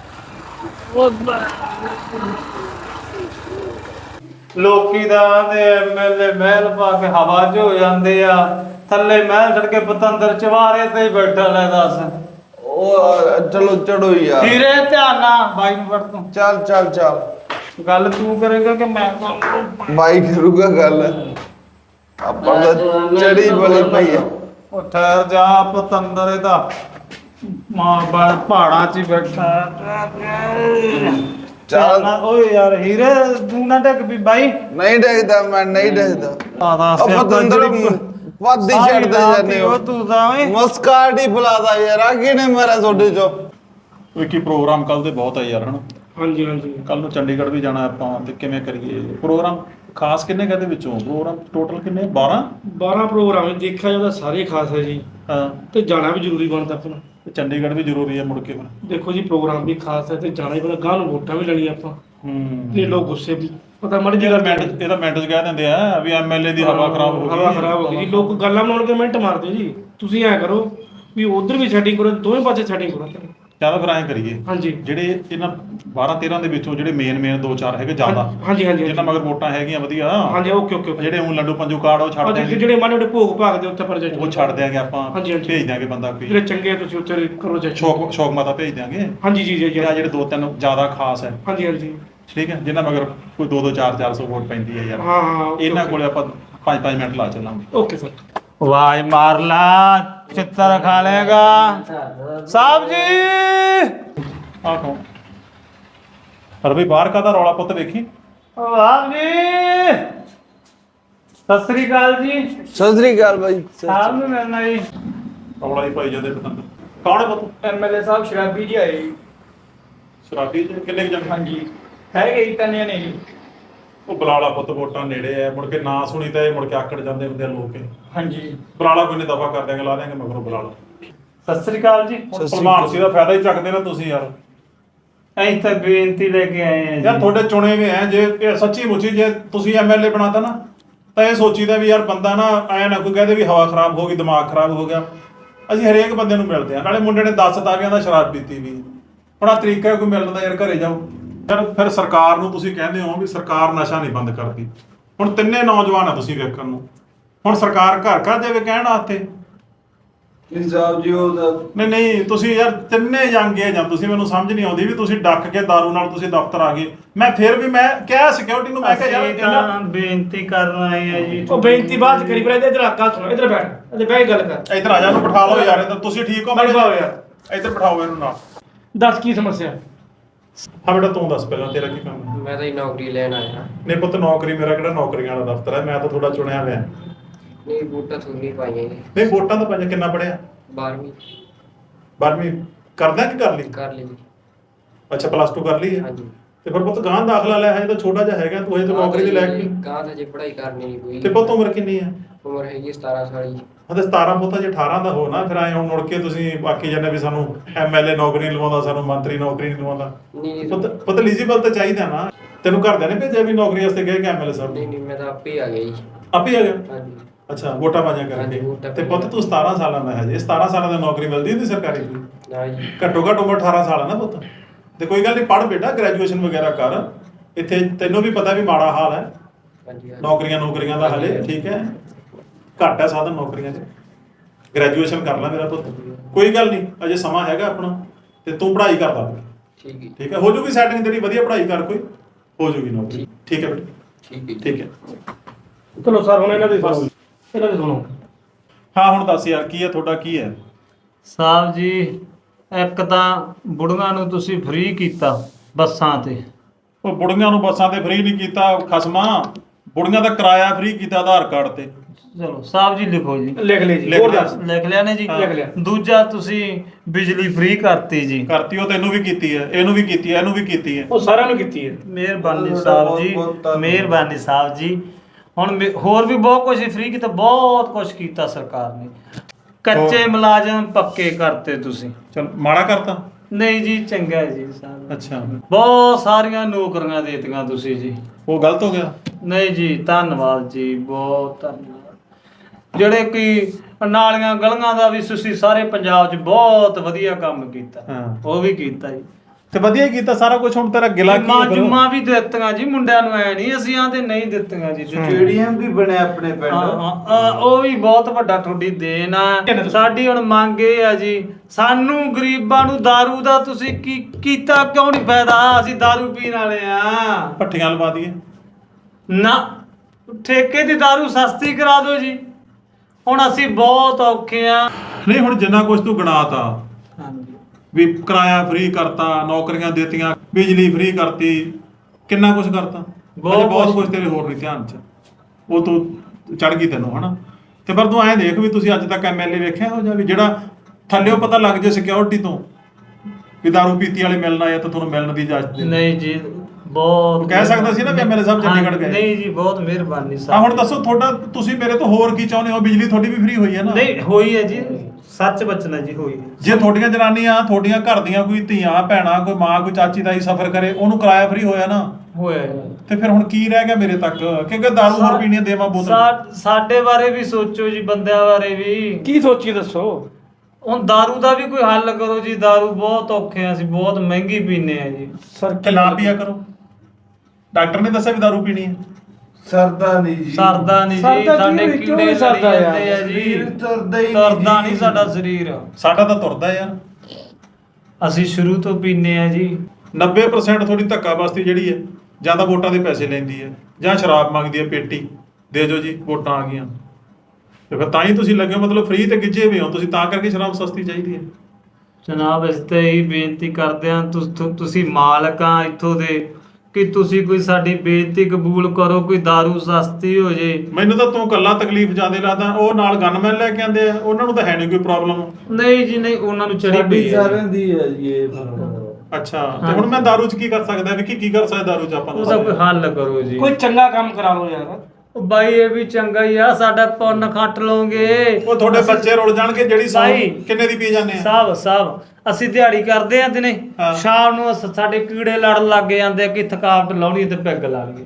C: ਲੋਕੀ ਦਾ ਦੇ ਐਮਐਲਏ ਮਹਿਲ ਪਾ ਕੇ ਹਵਾ 'ਚ ਹੋ ਜਾਂਦੇ ਆ ਥੱਲੇ ਮਹਿਲ ਛੱਡ ਕੇ ਪਤੰਦਰ ਚਵਾਰੇ ਤੇ ਹੀ ਬੈਠਾ ਲੈ ਦੱਸ।
D: ਉਹ ਚਲੋ ਚੜੋ ਯਾਰ।
C: ਹੀਰੇ ਧਿਆਨ ਨਾਲ ਬਾਈ ਨੂੰ ਫੜ ਤੂੰ
D: ਚੱਲ ਚੱਲ ਚੱਲ
C: ਗੱਲ ਤੂੰ ਕਰੇਗਾ ਕਿ ਮੈਂ ਕਰਾਂ?
D: ਬਾਈ ਕਰੂਗਾ ਗੱਲ ਆਪਾਂ ਦਾ ਚੜੀ ਬਲੀ ਪਈ ਆ।
C: ਉਹ ਠਹਿਰ ਜਾ ਪਤੰਦਰ ਇਹਦਾ ਮਾਂ ਪਹਾੜਾਂ 'ਚ ਹੀ ਬੈਠਾ
D: ਚੱਲ
C: ਓਏ ਯਾਰ ਹੀਰੇ ਤੂੰ ਨਾ ਡਿੱਗ ਵੀ ਬਾਈ
D: ਨਹੀਂ ਡਿੱਗਦਾ ਮੈਂ ਨਹੀਂ ਡਿੱਗਦਾ।
C: ਆਦਾ
D: ਉਹ ਪਤੰਦਰ ਵਾਦੀ ਛੱਡਦੇ ਜਾਂਦੇ ਹੋ
C: ਤੂੰ ਤਾਂ ਓਏ
D: ਮੁਸਕਾਟ ਹੀ ਬੁਲਾਦਾ ਯਾਰ ਆ ਕਿਹਨੇ ਮੇਰਾ ਤੁਹਾਡੇ ਚੋਂ।
A: ਵਿੱਕੀ ਪ੍ਰੋਗਰਾਮ ਕੱਲ ਦੇ ਬਹੁਤ ਆ ਯਾਰ ਹਨਾ।
B: ਹਾਂਜੀ ਹਾਂਜੀ
A: ਕੱਲ ਨੂੰ ਚੰਡੀਗੜ੍ਹ ਵੀ ਜਾਣਾ ਆਪਾਂ ਤੇ ਕਿਵੇਂ ਕਰੀਏ ਪ੍ਰੋਗਰਾਮ ਖਾਸ ਕਿੰਨੇ ਕਹਦੇ ਵਿੱਚੋਂ ਪ੍ਰੋਗਰਾਮ ਟੋਟਲ ਕਿੰਨੇ
B: 12 ਪ੍ਰੋਗਰਾਮ ਦੇਖਿਆ ਜਾਂਦਾ ਸਾਰੇ ਖਾਸ ਹੈ ਜੀ
A: ਹਾਂ
B: ਤੇ ਜਾਣਾ ਵੀ ਜ਼ਰੂਰੀ ਬਣਦਾ ਆਪਣਾ।
A: ਤੇ ਚੰਡੀਗੜ੍ਹ ਵੀ ਜ਼ਰੂਰੀ ਹੈ ਮੁੜ ਕੇ ਫਿਰ।
B: ਦੇਖੋ ਜੀ ਪ੍ਰੋਗਰਾਮ ਵੀ ਖਾਸ ਹੈ ਤੇ ਜਾਣਾ ਹੀ ਪੈਣਾ ਗਾਂ ਨੂੰ ਵੋਟਾਂ ਵੀ ਲੈਣੀਆਂ ਆਪਾਂ
A: ਹੂੰ
B: ਤੇ ਲੋਕ ਗੁੱਸੇ ਵੀ ਪਤਾ ਮਾੜੀ ਜਿਹੀ
A: ਇਹਦਾ
B: ਗੱਲ
A: ਮਿੰਟ ਇਹਦਾ ਮਿੰਟ 'ਚ ਕਹਿ ਦਿੰਦੇ ਆ ਵੀ ਐਮਐਲਏ ਦੀ ਹਵਾ ਖਰਾਬ ਹੋ ਗਈ।
B: ਹਵਾ ਖਰਾਬ ਹੋ ਗਈ ਜੀ ਲੋਕ ਗੱਲਾਂ ਬਣਾਉਣ ਕੇ ਮਿੰਟ ਮਾਰਦੇ ਜੀ। ਤੁਸੀਂ ਐ ਕਰੋ ਵੀ ਉਧਰ ਵੀ ਸੈਟਿੰਗ ਕਰੋ ਦੋਵੇਂ ਪਾਸੇ ਸੈਟਿੰਗ ਕਰੋ।
A: ਚੱਲ ਫਿਰ ਐਂ ਕਰੀਏ
B: ਹਾਂਜੀ
A: ਜਿਹੜੇ ਇਹਨਾਂ 12 13 ਦੇ ਵਿੱਚੋਂ ਜਿਹੜੇ ਮੇਨ 2-4 ਹੈਗੇ ਜ਼ਿਆਦਾ
B: ਹਾਂਜੀ ਹਾਂਜੀ
A: ਜਿੰਨਾ ਮਗਰ ਵੋਟਾਂ ਹੈਗੀਆਂ ਵਧੀਆ
B: ਹਾਂਜੀ ਓਕੇ ਓਕੇ
A: ਜਿਹੜੇ ਉਹ ਲੱਡੂ ਪੰਜੂ ਕਾਰਡ ਉਹ ਛੱਡ ਦਿਆਂਗੇ
B: ਜਿਹੜੇ ਮਾੜੇ ਮੋਟੇ ਭੋਗ ਭਾਗ ਦੇ ਉੱਤੇ ਪ੍ਰੋਜੈਕਟ
A: ਉਹ ਛੱਡ ਦਿਆਂਗੇ ਆਪਾਂ
B: ਹਾਂਜੀ, ਹਾਂਜੀ।
A: ਭੇਜ ਦਿਆਂਗੇ ਬੰਦਾ ਕੋਈ
B: ਜਿਹੜੇ ਚੰਗੇ ਆ ਤੁਸੀਂ ਉੱਤੇ ਕਰੋ ਜੈਕ
A: ਸ਼ੌਕ ਮਾਤਾ ਭੇਜ ਦਿਆਂਗੇ
B: ਹਾਂਜੀ ਜੀ ਜੀ ਜੀ
A: ਜਾਂ ਜਿਹੜੇ 2-3 ਜ਼ਿਆਦਾ ਖਾਸ ਹੈ
B: ਹਾਂਜੀ ਹਾਂਜੀ
A: ਠੀਕ ਹੈ ਜਿੰਨਾ ਮਗਰ ਕੋਈ 2-2 400 ਵੋਟ ਪੈਂਦੀ ਹੈ ਯਾਰ
B: ਹਾਂ ਹਾਂ
A: ਇਹਨਾਂ ਕੋਲੇ ਆਪਾਂ 5-5 ਮਿੰਟ ਲਾ ਚੱਲਾਂਗੇ
B: ਓਕੇ ਸਰ
C: ਵਾਜ ਮਾਰ ਲਾ ਚਿੱਤਰ ਖਾ ਲੇਗਾ ਸਾਹਿਬ ਜੀ।
A: ਆਹ ਕੌਣ ਰਵੀ ਬਾਹਰ ਕਾਹਦਾ ਰੌਲਾ ਪੁੱਤ ਵੇਖੀ।
C: ਸਾਹਿਬ ਜੀ ਸਤਿ ਸ੍ਰੀ ਅਕਾਲ ਜੀ।
D: ਸਤਿ ਸ੍ਰੀ ਅਕਾਲ ਬਾਈ।
C: ਸਾਹਿਬ ਨੂੰ ਮਿਲਣਾ ਜੀ।
A: ਰੌਲਾ ਹੀ ਪਾਈ ਜਾਂਦੇ ਪਤੰਦਰ ਕੌਣ ਹੈ ਪੁੱਤ।
F: ਐਮਐਲਏ ਸਾਹਿਬ ਸ਼ਰਾਬੀ ਜੀ ਆਏ ਜੀ।
A: ਸ਼ਰਾਬੀ ਜੀ ਕਿੰਨੇ ਕੁ ਜਣੇ
F: ਹਾਂਜੀ ਹੈਗੇ ਜੀ ਤੰਨੇ ਨੇ ਜੀ।
A: ਉਹ ਬਲਾਲਾ ਪੁੱਤ ਵੋਟਾਂ ਨੇੜੇ ਆ ਮੁੜ ਕੇ ਨਾ ਸੁਣੀ ਤਾਂ ਇਹ ਮੁੜ ਕੇ ਆਕੜ ਜਾਂਦੇ ਹੁੰਦੇ ਆ ਲੋਕ
F: ਹਾਂਜੀ
A: ਬਲਾਲਾ ਕੋਈ ਨਹੀਂ ਦਫਾ ਕਰ ਦਿਆਂਗੇ ਲਾ ਦਿਆਂਗੇ ਮਗਰੋਂ ਬਲਾਲਾ।
C: ਸਤਿ ਸ੍ਰੀ ਅਕਾਲ ਜੀ।
A: ਹੁਣ ਭਲਮਾਨ ਸੀ ਦਾ ਫਾਇਦਾ ਹੀ ਚੱਕਦੇ ਨਾ ਤੁਸੀਂ ਯਾਰ।
C: ਅਸੀਂ ਤਾਂ ਬੇਨਤੀ ਲੈ ਕੇ ਆਏ ਆ
A: ਯਾਰ
C: ਜੀ।
A: ਤੁਹਾਡੇ ਚੁਣੇ ਵੀ ਐ ਜੇ ਇਹ ਸੱਚੀ ਮੁੱਚੀ ਜੇ ਤੁਸੀਂ ਐਮਐਲਏ ਬਣਾਤਾ ਨਾ ਤਾਂ ਇਹ ਸੋਚੀਦਾ ਵੀ ਯਾਰ ਬੰਦਾ ਨਾ ਐ ਨਾ ਕੋਈ ਕਹਦੇ ਵੀ ਹਵਾ ਖਰਾਬ ਹੋ ਗਈ ਦਿਮਾਗ ਖਰਾਬ ਹੋ ਗਿਆ। ਅਸੀਂ ਹਰੇਕ ਬੰਦੇ ਨੂੰ ਮਿਲਦੇ ਆ ਨਾਲੇ ਮੁੰਡੇ ਨੇ 10 ਤਾਵਿਆਂ ਦਾ ਸ਼ਰਾਬ ਪੀਤੀ ਵੀ ਹੁਣ ਆਹ ਤਰੀਕਾ ਕੋਈ ਮਿਲਣ ਦਾ ਯਾਰ ਘਰੇ ਜਾਓ। ਯਾਰ ਫਿਰ ਸਰਕਾਰ ਨੂੰ ਤੁਸੀਂ ਕਹਿੰਦੇ ਹੋ ਵੀ ਸਰਕਾਰ ਨਸ਼ਾ ਨਹੀਂ ਬੰਦ ਕਰਦੀ। ਹੁਣ ਤਿੰਨੇ ਨੌਜਵਾਨ ਆ ਤੁਸੀਂ ਵੇਖਣ ਨੂੰ ਹੁਣ ਸਰਕਾਰ ਘਰ ਘਰ ਜਾਵੇ ਕਹਿਣ ਆਸਤੇ
D: ਨਹੀਂ ਸਾਹਿਬ ਜੀ ਉਹਦਾ
A: ਨਹੀਂ ਤੁਸੀਂ ਯਾਰ ਤਿੰਨੇ ਜਾਂਗੇ ਜਾਂ ਤੁਸੀਂ ਮੈਨੂੰ ਸਮਝ ਨਹੀਂ ਆਉਂਦੀ ਵੀ ਤੁਸੀਂ ਡੱਕ ਕੇ ਦਾਰੂ ਨਾਲ ਤੁਸੀਂ ਦਫ਼ਤਰ ਆ ਗਏ। ਮੈਂ ਫਿਰ ਵੀ ਮੈਂ ਕਿਹਾ ਸਿਕਿਉਰਿਟੀ ਨੂੰ, ਮੈਂ ਕਿਹਾ ਯਾਰ ਇਹਨਾਂ
C: ਬੇਨਤੀ ਕਰਨ ਆਏ ਆ ਜੀ।
B: ਉਹ ਬੇਨਤੀ ਬਾਅਦ 'ਚ ਕਰੀ ਪਰ ਇੱਧਰ ਆ ਕੇ ਸੁਣ, ਇੱਧਰ ਬੈਠ, ਇੱਧਰ ਬਹਿ ਕੇ ਗੱਲ ਕਰ।
A: ਇੱਧਰ ਆ ਜਾ, ਇਹਨੂੰ ਬਿਠਾ ਲਓ ਯਾਰ, ਇੱਧਰ ਤੁਸੀਂ ਠੀਕ ਹੋ?
B: ਬਿਠਾਓ ਯਾਰ।
A: ਇੱਧਰ ਬਿਠਾਓ ਇਹਨੂੰ ਨਾਲ।
B: ਦੱਸ ਕੀ ਸਮੱਸਿਆ?
A: ਹਾਂ ਬੇਟਾ ਤੂੰ ਦੱਸ ਪਹਿਲਾਂ ਤੇਰਾ ਕੀ ਕੰਮ ਹੈ?
G: ਮੈਂ ਤਾਂ ਹੀ ਨੌਕਰੀ ਲੈਣ ਆਇਆ।
A: ਨਹੀਂ ਪੁੱਤ, ਨੌਕਰੀ ਮੇਰਾ ਕਿਹੜਾ ਨੌਕਰੀਆਂ ਵਾਲਾ ਦਫ਼ਤਰ ਹੈ, ਮੈਂ ਤਾਂ ਤੁਹਾਡਾ ਚੁਣਿਆ ਹੋਇਆ।
G: ਨਹੀਂ ਬੂਟਾ ਥੋੜੀ ਪਾਈਆਂ ਨੇ।
A: ਨਹੀਂ ਵੋਟਾਂ ਤਾਂ ਪੰਜਾ ਕਿੰਨਾ ਪੜਿਆ?
G: 12ਵੀਂ
A: 12ਵੀਂ ਕਰਦਾ ਕਿ ਕਰ ਲਈ?
G: ਕਰ ਲਈ।
A: ਅੱਛਾ ਪਲੱਸ 2 ਕਰ ਲਈ ਹੈ।
G: ਹਾਂਜੀ।
A: ਤੇ ਫਿਰ ਪੁੱਤ ਗਾਂ ਦਾਖਲਾ ਲੈ, ਹਜੇ ਤਾਂ ਛੋਟਾ ਜਿਹਾ ਹੈਗਾ ਤੂੰ, ਹਜੇ ਤਾਂ ਨੌਕਰੀ ਦੇ ਲਾਇਕ ਨਹੀਂ।
G: ਗਾਂ ਤਾਂ ਜੇ ਪੜ੍ਹਾਈ ਕਰਨੀ ਨਹੀਂ ਕੋਈ।
A: ਤੇ ਪੁੱਤ ਉਮਰ ਕਿੰਨੀ ਹੈ?
G: ਉਮਰ ਹੈਗੀ 17 ਸਾਲ ਜੀ।
A: ਅਤੇ 17 ਪੁੱਤ ਜੇ 18 ਦਾ ਹੋ ਨਾ, ਫਿਰ ਐਂ ਹੁਣ ਮੁੜ ਕੇ ਤੁਸੀਂ ਬਾਕੀ ਜਾਂਦੇ ਵੀ ਸਾਨੂੰ ਐਮਐਲਏ ਨੌਕਰੀ ਨਹੀਂ ਲਵਾਉਂਦਾ, ਸਾਨੂੰ ਮੰਤਰੀ ਨੌਕਰੀ ਨਹੀਂ ਲਵਾਉਂਦਾ।
G: ਨਹੀਂ
A: ਪੁੱਤ ਐਲੀਜੀਬਲ ਤਾਂ ਚਾਹੀਦਾ ਨਾ। ਤੈਨੂੰ ਘਰਦਿਆਂ ਨੇ ਭੇਜਿਆ ਵੀ ਨੌਕਰੀ ਵਾਸਤੇ ਗਏ ਕਿ ਐਮਐਲਏ ਸਾਹਿਬ?
G: ਨਹੀਂ ਮੈਂ ਤਾਂ ਆਪੇ ਹੀ ਆ ਗਿਆ ਜੀ।
A: ਆਪੇ ਆ ਗਿਆ?
G: ਹਾਂਜੀ।
A: ਅੱਛਾ ਵੋਟਾਂ ਪਾਈਆਂ
G: ਹਾਂਜੀ,
A: ਕਰਕੇ।
G: ਵੋਟਾਂ
A: ਤੇ ਪੁੱਤ ਤੂੰ 17 ਸਾਲਾਂ ਦਾ ਹੈ ਜੇ, 17 ਸਾਲਾਂ ਦਾ ਨੌਕਰੀ ਮਿਲਦੀ ਹੁੰਦੀ ਸਰਕਾਰੀ ਦੀ?
G: ਨਾ ਜੀ।
A: ਘੱਟੋ ਘੱਟ ਉਮਰ 18 ਸਾਲ ਹੈ ਨਾ ਪੁੱਤ। ਤੇ ਕੋਈ ਗੱਲ ਨਹੀਂ, ਪੜ੍ਹ ਬੇਟਾ, ਗ੍ਰੈਜੂਏਸ਼ਨ ਵਗੈਰਾ ਕਰ। ਇੱਥੇ ਤੈਨੂੰ ਵੀ ਪਤਾ ਵੀ ਮਾੜਾ ਹਾਲ ਹੈ
G: ਹਾਂਜੀ।
A: ਨੌਕਰੀਆਂ ਦਾ ਹਲੇ, ਠੀਕ ਹੈ, ਘੱਟ ਹੈ ਸਾਧਨ ਨੌਕਰੀਆਂ 'ਚ। ਗ੍ਰੈਜੂਏਸ਼ਨ ਕਰ ਲੈ ਮੇਰਾ ਪੁੱਤ, ਕੋਈ ਗੱਲ ਨਹੀਂ, ਅਜੇ ਸਮਾਂ ਹੈਗਾ ਆਪਣਾ। ਤੇ ਤੂੰ ਪੜ੍ਹਾਈ ਕਰਦਾ,
G: ਠੀਕ ਹੈ।
A: ਠੀਕ ਹੈ, ਹੋ ਜੂਗੀ ਸੈਟਿੰਗ ਤੇਰੀ, ਵਧੀਆ ਪੜ੍ਹਾਈ ਕਰ, ਕੋਈ ਹੋ ਜੂਗੀ ਨੌਕਰੀ, ਠੀਕ ਹੈ ਬੇਟਾ,
G: ਠੀਕ ਹੈ।
A: ਠੀਕ ਹੈ।
B: ਚਲੋ ਸਰ ਹੁਣ ਇਹਨਾਂ ਦੀ ਸੁਣੋ, ਇਹਨਾਂ ਦੀ ਸੁਣੋ।
A: ਹਾਂ ਹੁਣ ਦੱਸ ਯਾਰ, ਕੀ ਹੈ ਤੁਹਾਡਾ, ਕੀ ਹੈ?
C: ਸਾਹਿਬ ਜੀ, ਇੱਕ ਤਾਂ ਬੁੜੀਆਂ ਨੂੰ ਤੁਸੀਂ ਫ੍ਰੀ ਕੀਤਾ ਬੱਸਾਂ ਤੇ।
A: ਉਹ ਬੁੜੀਆਂ ਨੂੰ ਬੱਸਾਂ ਤੇ ਫ੍ਰੀ ਨਹੀਂ ਕੀਤਾ ਖਸਮਾਂ, ਬੁੜੀਆਂ ਦਾ ਕਿਰਾਇਆ ਫ੍ਰੀ ਕੀਤਾ ਆਧਾਰ ਕਾਰਡ ਤੇ।
C: ਚਲੋ ਸਾਹਿਬ ਜੀ ਲਿਖੋ ਜੀ।
B: ਲਿਖ ਲੈ ਜੀ,
A: ਲਿਖ
B: ਹੋਰ
A: ਲਿਆ।
B: ਦੱਸ।
C: ਲਿਖ ਲਿਆ ਨੇ ਜੀ?
B: ਲਿਖ ਲਿਆ।
C: ਦੂਜਾ ਤੁਸੀਂ ਬਿਜਲੀ ਫ੍ਰੀ ਕਰਤੀ ਜੀ।
A: ਕਰਤੀ, ਉਹ ਤੈਨੂੰ ਵੀ ਕੀਤੀ ਹੈ, ਇਹਨੂੰ ਵੀ ਕੀਤੀ ਹੈ, ਇਹਨੂੰ ਵੀ ਕੀਤੀ ਹੈ।
B: ਉਹ ਸਾਰਿਆਂ ਨੂੰ ਕੀਤੀ ਹੈ।
C: ਮਿਹਰਬਾਨੀ
D: ਤੁਹਾਡਾ
C: ਸਾਹਿਬ
D: ਬਹੁਤ
C: ਜੀ,
D: ਬਹੁਤ ਧੰਨਵਾਦ।
C: ਮਿਹਰਬਾਨੀ ਸਾਹਿਬ ਜੀ। ਹੁਣ ਹੋਰ ਵੀ ਬਹੁਤ ਕੁਝ ਫ੍ਰੀ ਕੀਤਾ, ਬਹੁਤ ਕੁਝ ਕੀਤਾ ਸਰਕਾਰ ਨੇ। ਕੱਚੇ ਮੁਲਾਜ਼ਮ ਪੱਕੇ ਕਰਤੇ ਤੁਸੀਂ।
A: ਚਲ ਮਾੜਾ ਕਰਤਾ?
C: ਨਹੀਂ ਜੀ, ਚੰਗਾ ਹੈ ਜੀ ਸਾਹਿਬ।
A: ਅੱਛਾ,
C: ਬਹੁਤ ਸਾਰੀਆਂ ਨੌਕਰੀਆਂ ਦੇ ਦਿੱਤੀਆਂ ਤੁਸੀਂ ਜੀ।
A: ਉਹ ਗਲਤ ਹੋ ਗਿਆ?
C: ਨਹੀਂ ਜੀ, ਧੰਨਵਾਦ ਜੀ, ਬਹੁਤ ਧੰਨਵਾਦ। ਜਿਹੜੇ ਕਿ ਨਾਲੀਆਂ ਗਲੀਆਂ ਦਾ ਵੀ ਤੁਸੀਂ ਸਾਰੇ ਪੰਜਾਬ 'ਚ ਬਹੁਤ ਵਧੀਆ ਕੰਮ ਕੀਤਾ।
A: ਹਾਂ।
C: ਉਹ ਵੀ ਕੀਤਾ ਜੀ।
A: ਤੇ ਵਧੀਆ ਹੀ ਕੀਤਾ ਸਾਰਾ ਕੁਝ। ਹੁਣ ਤੇਰਾ ਗਿਲਾ ਕੀ ਹੈ ਫਿਰ?
C: ਜੁਮਾ ਵੀ ਦਿੱਤੀਆਂ ਜੀ ਮੁੰਡਿਆਂ ਨੂੰ, ਐ ਨਹੀਂ ਅਸੀਂ ਆਂਦੇ ਨਹੀਂ ਦਿੱਤੀਆਂ ਜੀ।
D: ਸਟੇਡੀਅਮ ਵੀ ਬਣਿਆ ਆਪਣੇ ਪਿੰਡ।
C: ਉਹ ਵੀ ਬਹੁਤ ਵੱਡਾ ਤੁਹਾਡੀ ਦੇਣ ਆ। ਸਾਡੀ ਹੁਣ ਮੰਗ ਇਹ ਆ ਜੀ, ਸਾਨੂੰ ਗਰੀਬਾਂ ਨੂੰ दारू ਦਾ ਤੁਸੀਂ ਕੀ ਕੀਤਾ, ਕਿਉਂ ਨਹੀਂ ਫਾਇਦਾ? ਅਸੀਂ दारू ਪੀਣ ਵਾਲੇ ਆ।
A: ਭੱਠੀਆਂ ਲਵਾ ਦਈਏ?
C: ਨਾ, ਠੇਕੇ ਦੀ दारू ਸਸਤੀ ਕਰਾ ਦਿਓ ਜੀ। ਹੁਣ ਅਸੀਂ ਬਹੁਤ ਔਖੇ ਆ।
A: ਨਹੀਂ ਹੁਣ ਜਿੰਨਾ ਕੁਝ ਤੂੰ ਗਣਾਤਾ
C: ਹਾਂਜੀ।
A: ਵੀ ਕਿਰਾਇਆ ਫ੍ਰੀ ਕਰਤਾ, ਨੌਕਰੀਆਂ ਦਿੱਤੀਆਂ, ਬਿਜਲੀ ਫ੍ਰੀ ਕਰਤੀ, ਕਿੰਨਾ ਕੁਝ ਕਰਤਾ। ਬਹੁਤ ਕੁਝ ਤੇਰੇ ਹੋਰ ਨਹੀਂ ਧਿਆਨ 'ਚ, ਉਹ ਤੂੰ ਚੜ ਗਈ ਤੈਨੂੰ, ਹਨਾ। ਤੇ ਪਰ ਤੂੰ ਐਂ ਦੇਖ ਵੀ ਤੁਸੀਂ ਅੱਜ ਤੱਕ ਐਮਐਲਏ ਵੇਖਿਆ ਹੋ ਜਾਂ ਵੀ ਜਿਹੜਾ ਥੱਲਿਓ ਪਤਾ ਲੱਗ ਜੇ ਸਿਕਿਉਰਿਟੀ ਤੋਂ ਵੀ ਦਾਰੂ ਪੀਤੀ ਵਾਲੇ ਮਿਲਣ ਆਏ ਤਾਂ ਤੁਹਾਨੂੰ ਮਿਲਣ ਦੀ ਇਜਾਜ਼ਤ ਦੇ।
C: ਨਹੀਂ ਜੀ, ਬਹੁਤ
A: ਕਹਿ ਸਕਦਾ ਸੀ ਨਾ ਵੀ ਐਮਐਲਏ ਸਾਹਿਬ ਚੰਡੀਗੜ੍ਹ ਗਏ।
C: ਨਹੀਂ ਜੀ, ਬਹੁਤ ਮਿਹਰਬਾਨੀ
A: ਹਾਂ
C: ਸਾਹਿਬ।
A: ਹੁਣ ਦੱਸੋ ਤੁਹਾਡਾ, ਤੁਸੀਂ ਮੇਰੇ ਤੋਂ ਹੋਰ ਕੀ ਚਾਹੁੰਦੇ ਹੋ? ਬਿਜਲੀ ਤੁਹਾਡੀ ਵੀ ਫ੍ਰੀ ਹੋਈ ਹੈ ਨਾ?
C: ਨਹੀਂ ਹੋਈ ਹੈ ਜੀ, ਸੱਚ ਬਚਨਾ ਜੀ, ਹੋਈ ਹੈ।
A: ਜੇ ਤੁਹਾਡੀਆਂ ਜਨਾਨੀਆਂ, ਤੁਹਾਡੀਆਂ ਘਰ ਦੀਆਂ ਕੋਈ ਧੀਆਂ ਭੈਣਾਂ, ਕੋਈ ਮਾਂ, ਕੋਈ ਚਾਚੀ ਤਾਈ ਸਫ਼ਰ ਕਰੇ, ਉਹਨੂੰ ਕਿਰਾਇਆ ਫ੍ਰੀ ਹੋਇਆ ਨਾ?
C: ਹੋਇਆ ਜੀ।
A: ਤੇ ਫਿਰ ਹੁਣ ਕੀ ਰਹਿ ਗਿਆ ਮੇਰੇ ਤੱਕ? ਕਿਉਂਕਿ ਦਾਰੂ ਹੋਰ ਪੀਣੀ, ਦੇਵਾਂ ਬੋਤਲ।
C: ਸਾਡੇ ਬਾਰੇ ਵੀ ਸੋਚੋ ਜੀ, ਬੰਦਿਆਂ ਬਾਰੇ ਵੀ।
B: ਕੀ ਸੋਚੀ ਦੱਸੋ?
C: ਹੁਣ दारू ਦਾ ਵੀ ਕੋਈ ਹੱਲ ਕਰੋ ਜੀ। दारू ਬਹੁਤ ਔਖੇ ਆ, ਅਸੀਂ ਬਹੁਤ ਮਹਿੰਗੀ ਪੀਨੇ ਆ ਜੀ।
B: ਸਰ
A: ਤੇ ਨਾ ਪੀਆ ਕਰੋ। ਡਾਕਟਰ ਨੇ ਦੱਸਿਆ ਵੀ ਦਾਰੂ ਪੀਣੀ ਹੈ?
D: ਸਰਦਾ ਨਹੀਂ ਜੀ।
C: ਸਰਦਾ ਨਹੀਂ ਜੀ,
B: ਸਰਦਾ
C: ਸਾਡੇ
B: ਕਿਉਂ
C: ਕੀੜੇ
B: ਨਹੀਂ ਸਰਦਾ
C: ਲੜੀ
B: ਯਾਰ?
C: ਜਾਂਦੇ ਆ ਜੀ।
D: ਸਰੀਰ ਤੁਰਦਾ ਹੀ ਨਹੀਂ
C: ਤੁਰਦਾ
D: ਜੀ।
C: ਨਹੀਂ ਸਾਡਾ ਸਰੀਰ।
A: ਸਾਡਾ ਤਾਂ ਤੁਰਦਾ ਯਾਰ।
C: ਅਸੀਂ ਸ਼ੁਰੂ ਤੋਂ ਪੀਨੇ ਆ ਜੀ।
A: 90% ਤੁਹਾਡੀ ਧੱਕਾ ਬਸਤੀ ਜਿਹੜੀ ਹੈ, ਜਾਂ ਤਾਂ ਵੋਟਾਂ ਦੇ ਪੈਸੇ ਲੈਂਦੀ ਹੈ, ਜਾਂ ਸ਼ਰਾਬ ਮੰਗਦੀ ਹੈ ਪੇਟੀ, ਦੇ ਜੋ ਜੀ ਵੋਟਾਂ ਆ ਗਈਆਂ। ਤੇ ਫਿਰ ਤਾਂ ਹੀ ਤੁਸੀਂ ਲੱਗੇ ਹੋ, ਮਤਲਬ ਫ੍ਰੀ ਤੇ ਗਿੱਜੇ ਵੀ ਹੋ ਤੁਸੀਂ, ਤਾਂ ਕਰਕੇ ਸ਼ਰਾਬ ਸਸਤੀ ਚਾਹੀਦੀ ਹੈ।
C: ਜਨਾਬ, ਅਸੀਂ ਤਾਂ ਇਹੀ ਬੇਨਤੀ ਕਰਦੇ ਹਾਂ, ਤੁਸੀਂ ਮਾਲਕ ਆ ਇੱਥੋਂ ਦੇ, ਕਿ ਤੁਸੀਂ ਕੋਈ ਸਾਡੀ ਬੇਨਤੀ ਕਬੂਲ ਕਰੋ, ਕੋਈ दारू ਸਸਤੀ ਹੋ ਜੇ।
A: ਮੈਨੂੰ ਤਾਂ ਤੂੰ ਕੱਲਾ ਤਕਲੀਫ ਜ਼ਿਆਦਾ ਲੱਗਦਾ। ਉਹ ਨਾਲ ਗਨਮੈਨ ਲੈ ਕੇ ਆਂਦੇ ਆ, ਉਹਨਾਂ ਨੂੰ ਤਾਂ ਹੈ ਨਹੀਂ ਕੋਈ ਪ੍ਰੋਬਲਮ।
C: ਨਹੀਂ ਜੀ ਨਹੀਂ, ਉਹਨਾਂ ਨੂੰ ਚੜੀ
D: ਸਾਡੀ
C: ਪਈ ਹੈ।
D: ਸਾਰਿਆਂ ਦੀ ਹੈ ਜੀ ਇਹ।
A: ਅੱਛਾ, ਤੇ ਹੁਣ ਮੈਂ ਦਾਰੂ 'ਚ ਕੀ ਕਰ ਸਕਦਾ? ਵੀ ਕੀ ਕਰ ਸਕਦਾ ਦਾਰੂ 'ਚ ਆਪਾਂ ਨੂੰ?
C: ਉਹਦਾ ਕੋਈ ਹੱਲ ਕਰੋ ਜੀ।
B: ਕੋਈ ਚੰਗਾ ਕੰਮ ਕਰਾ ਲਓ ਯਾਰ।
C: ਉਹ ਬਾਈ ਇਹ ਵੀ ਚੰਗਾ ਹੀ ਆ, ਸਾਡਾ ਪੁੰਨ ਖੱਟ ਲਓਗੇ।
A: ਉਹ ਤੁਹਾਡੇ ਬੱਚੇ ਰੁਲ ਜਾਣਗੇ। ਜਿਹੜੀ
C: ਭਾਈ,
A: ਕਿੰਨੇ ਦੀ ਪੀ ਜਾਂਦੇ ਆ?
C: ਸਾਹਿਬ ਅਸੀਂ ਦਿਹਾੜੀ ਕਰਦੇ ਆ ਦਿਨੇ,
A: ਹਾਂ।
C: ਸ਼ਾਮ ਨੂੰ ਸਾਡੇ ਕੀੜੇ ਲੜਨ ਲੱਗ ਜਾਂਦੇ ਆ ਕਿ ਥਕਾਵਟ ਲਾਉਣੀ ਤੇ ਪੈਗ ਲਾ ਲਈਏ।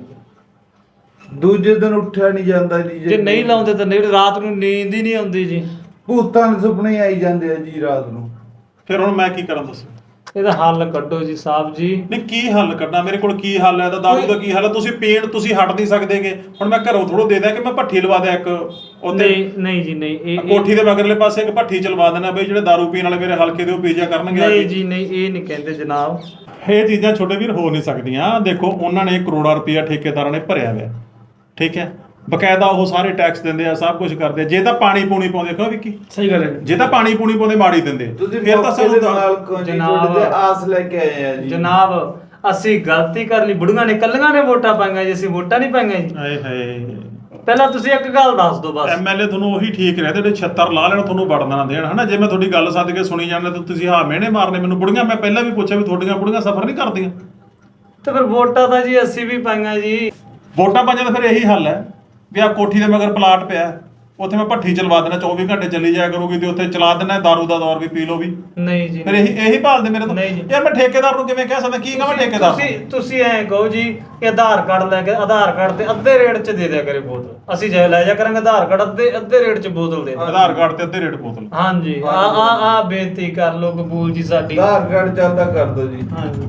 D: ਦੂਜੇ ਦਿਨ ਉੱਠਿਆ ਨਹੀਂ ਜਾਂਦਾ ਜੀ।
C: ਜੇ ਨਹੀਂ ਲਾਉਂਦੇ ਤਾਂ ਨਹੀਂ, ਰਾਤ ਨੂੰ ਨੀਂਦ ਹੀ ਨਹੀਂ ਆਉਂਦੀ ਜੀ।
D: ਭੂਤਾਂ ਦੇ ਸੁਪਨੇ ਆਈ ਜਾਂਦੇ ਆ ਜੀ ਰਾਤ ਨੂੰ।
A: ਫਿਰ ਹੁਣ ਮੈਂ ਕੀ ਕਰਾਂ ਦੱਸੋ?
C: ਇਹਦਾ ਹੱਲ ਕੱਢੋ ਜੀ ਸਾਹਿਬ ਜੀ।
A: ਨਹੀਂ ਕੀ ਹੱਲ ਕੱਢਣਾ, ਮੇਰੇ ਕੋਲ ਕੀ ਹੱਲ ਹੈ? ਤਾਂ ਦਾਰੂ ਦਾ ਕੀ ਹੱਲ ਹੈ? ਤੁਸੀਂ ਪੀਣ ਤੁਸੀਂ ਹਟ ਨਹੀਂ ਸਕਦੇਗੇ। ਹੁਣ ਮੈਂ ਘਰੋਂ ਥੋੜੋ ਦੇ ਦਿਆਂ ਕਿ ਮੈਂ ਭੱਠੀ ਲਵਾ ਦਿਆਂ ਇੱਕ ਉੱਥੇ
C: ਨਹੀਂ ਜੀ ਨਹੀਂ, ਇਹ
A: ਕੋਠੀ ਦੇ ਮਗਰਲੇ ਪਾਸੇ ਇੱਕ ਭੱਠੀ ਚਲਵਾ ਦੇਣਾ ਬਈ, ਜਿਹੜੇ ਦਾਰੂ ਪੀਣ ਵਾਲੇ ਮੇਰੇ ਹਲਕੇ ਦੇ ਉਹ ਪੀਜਾ ਕਰਨਗੇ ਆ
C: ਨਹੀਂ
A: ਕੇ।
C: ਜੀ ਨਹੀਂ, ਇਹ ਨਹੀਂ ਕਹਿੰਦੇ ਜਨਾਬ।
A: ਇਹ ਚੀਜ਼ਾਂ ਛੋਟੇ ਵੀਰ ਹੋ ਨਹੀਂ ਸਕਦੀਆਂ। ਦੇਖੋ ਉਹਨਾਂ ਨੇ ਕਰੋੜਾਂ ਰੁਪਇਆ ਠੇਕੇਦਾਰਾਂ ਨੇ ਭਰਿਆ ਹੋਇਆ, ਠੀਕ ਹੈ, ਬਕਾਇਦਾ ਉਹ ਸਾਰੇ ਟੈਕਸ ਦਿੰਦੇ ਆ, ਸਭ ਕੁਝ ਕਰਦੇ ਆ। ਜੇ ਤਾਂ ਪਾਣੀ ਪੂਣੀ ਪਾਉਂਦੇ, ਕਿਉਂ ਵਿੱਕੀ?
B: ਸਹੀ ਗੱਲ ਹੈ।
A: ਜੇ ਤਾਂ ਪਾਣੀ ਪੂਣੀ ਪਾਉਂਦੇ ਮਾੜੀ ਦਿੰਦੇ,
D: ਤੁਸੀਂ
A: ਫਿਰ ਤਾਂ ਸਾਨੂੰ
D: ਨਾਲ ਕੋਈ
C: ਜਨਾਬ,
D: ਆਸ ਲੈ ਕੇ ਆਏ ਆ ਜੀ।
C: ਜਨਾਬ ਅਸੀਂ ਗਲਤੀ ਕਰ ਲਈ, ਬੁੜੀਆਂ ਨੇ ਕੱਲੀਆਂ ਨੇ ਵੋਟਾਂ ਪਾਈਆਂ ਜੀ, ਅਸੀਂ ਵੋਟਾਂ ਨਹੀਂ ਪਾਈਆਂ ਜੀ।
A: ਹਾਏ ਹਾਏ,
C: ਪਹਿਲਾਂ ਤੁਸੀਂ ਇੱਕ ਗੱਲ ਦੱਸ ਦਿਓ ਬਸ।
A: ਐਮਐਲਏ ਤੁਹਾਨੂੰ ਉਹੀ ਠੀਕ ਰਹੇ ਜਿਹੜੇ 76 ਲਾ ਲੈਣ, ਤੁਹਾਨੂੰ ਵੜਨ ਨਾ ਦੇਣ, ਹਨਾ। ਜੇ ਮੈਂ ਤੁਹਾਡੀ ਗੱਲ ਸੱਦ ਕੇ ਸੁਣੀ ਜਾਂਦੇ ਤਾਂ ਤੁਸੀਂ ਹਾਂ ਮਿਹਣੇ ਮਾਰਨੇ ਮੈਨੂੰ। ਬੁੜੀਆਂ ਮੈਂ ਪਹਿਲਾਂ ਵੀ ਪੁੱਛਿਆ ਵੀ ਤੁਹਾਡੀਆਂ ਬੁੜੀਆਂ ਸਫ਼ਰ ਨਹੀਂ ਕਰਦੀਆਂ?
C: ਤੇ ਫਿਰ ਵੋਟਾਂ ਤਾਂ ਜੀ ਅਸੀਂ ਵੀ ਪਾਈਆਂ ਜੀ।
A: ਵੋਟਾਂ ਪਾਈਆਂ ਤਾਂ ਫਿਰ ਇਹੀ ਹੱਲ ਹੈ ਵੀ ਆ ਕੋਠੀ ਦੇ ਮਗਰ ਪਲਾਟ ਪਿਆ, ਉੱਥੇ ਮੈਂ ਭੱਠੀ ਚਲਵਾ ਦੇਣਾ, 24 ਘੰਟੇ ਚੱਲੀ ਜਾਇਆ ਕਰੂਗੀ, ਤੇ ਉੱਥੇ ਚਲਾ ਦੇਣਾ, ਦਾਰੂ ਦਾ ਦੌਰ ਵੀ ਪੀ ਲਓ ਵੀ।
C: ਨਹੀਂ ਜੀ
A: ਫਿਰ ਇਹੀ ਭਾਲਦੇ ਮੇਰੇ ਤੋਂ।
C: ਨਹੀਂ ਜੀ।
A: ਯਾਰ ਮੈਂ ਠੇਕੇਦਾਰ ਨੂੰ ਕਿਵੇਂ ਕਹਿ ਸਕਦਾ? ਕੀ ਕਹਾਂ ਠੇਕੇਦਾਰ ਨੂੰ?
C: ਤੁਸੀਂ ਐਂ ਕਹੋ ਜੀ ਕਿ ਆਧਾਰ ਕਾਰਡ ਲੈ ਕੇ ਆਧਾਰ ਕਾਰਡ ਤੇ ਅੱਧੇ ਰੇਟ 'ਚ ਦੇ ਦਿਆ ਕਰੇ ਬੋਤਲ, ਅਸੀਂ ਜੇ ਲੈ ਜਾ ਕਰਾਂਗੇ ਆਧਾਰ ਕਾਰਡ ਅੱਧੇ ਰੇਟ 'ਚ ਬੋਤਲ ਦੇ ਦਿਓ।
A: ਆਧਾਰ ਕਾਰਡ ਤੇ ਅੱਧੇ ਰੇਟ ਬੋਤਲ।
C: ਹਾਂਜੀ, ਆ ਬੇਨਤੀ ਕਰ ਲਓ ਕਬੂਲ ਜੀ ਸਾਡੀ।
D: ਆਧਾਰ ਕਾਰਡ ਚੱਲਦਾ ਕਰ ਦਿਓ ਜੀ।
C: ਹਾਂਜੀ,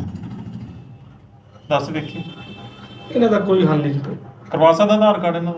A: ਦੱਸ ਵੇਖੀ
B: ਇਹਨਾਂ ਦਾ ਕੋਈ ਹੱਲ ਨਹੀਂ।
A: ਕਰਵਾ ਸਕਦਾ ਆਧਾਰ ਕਾਰਡ ਇਹਨਾਂ ਦਾ?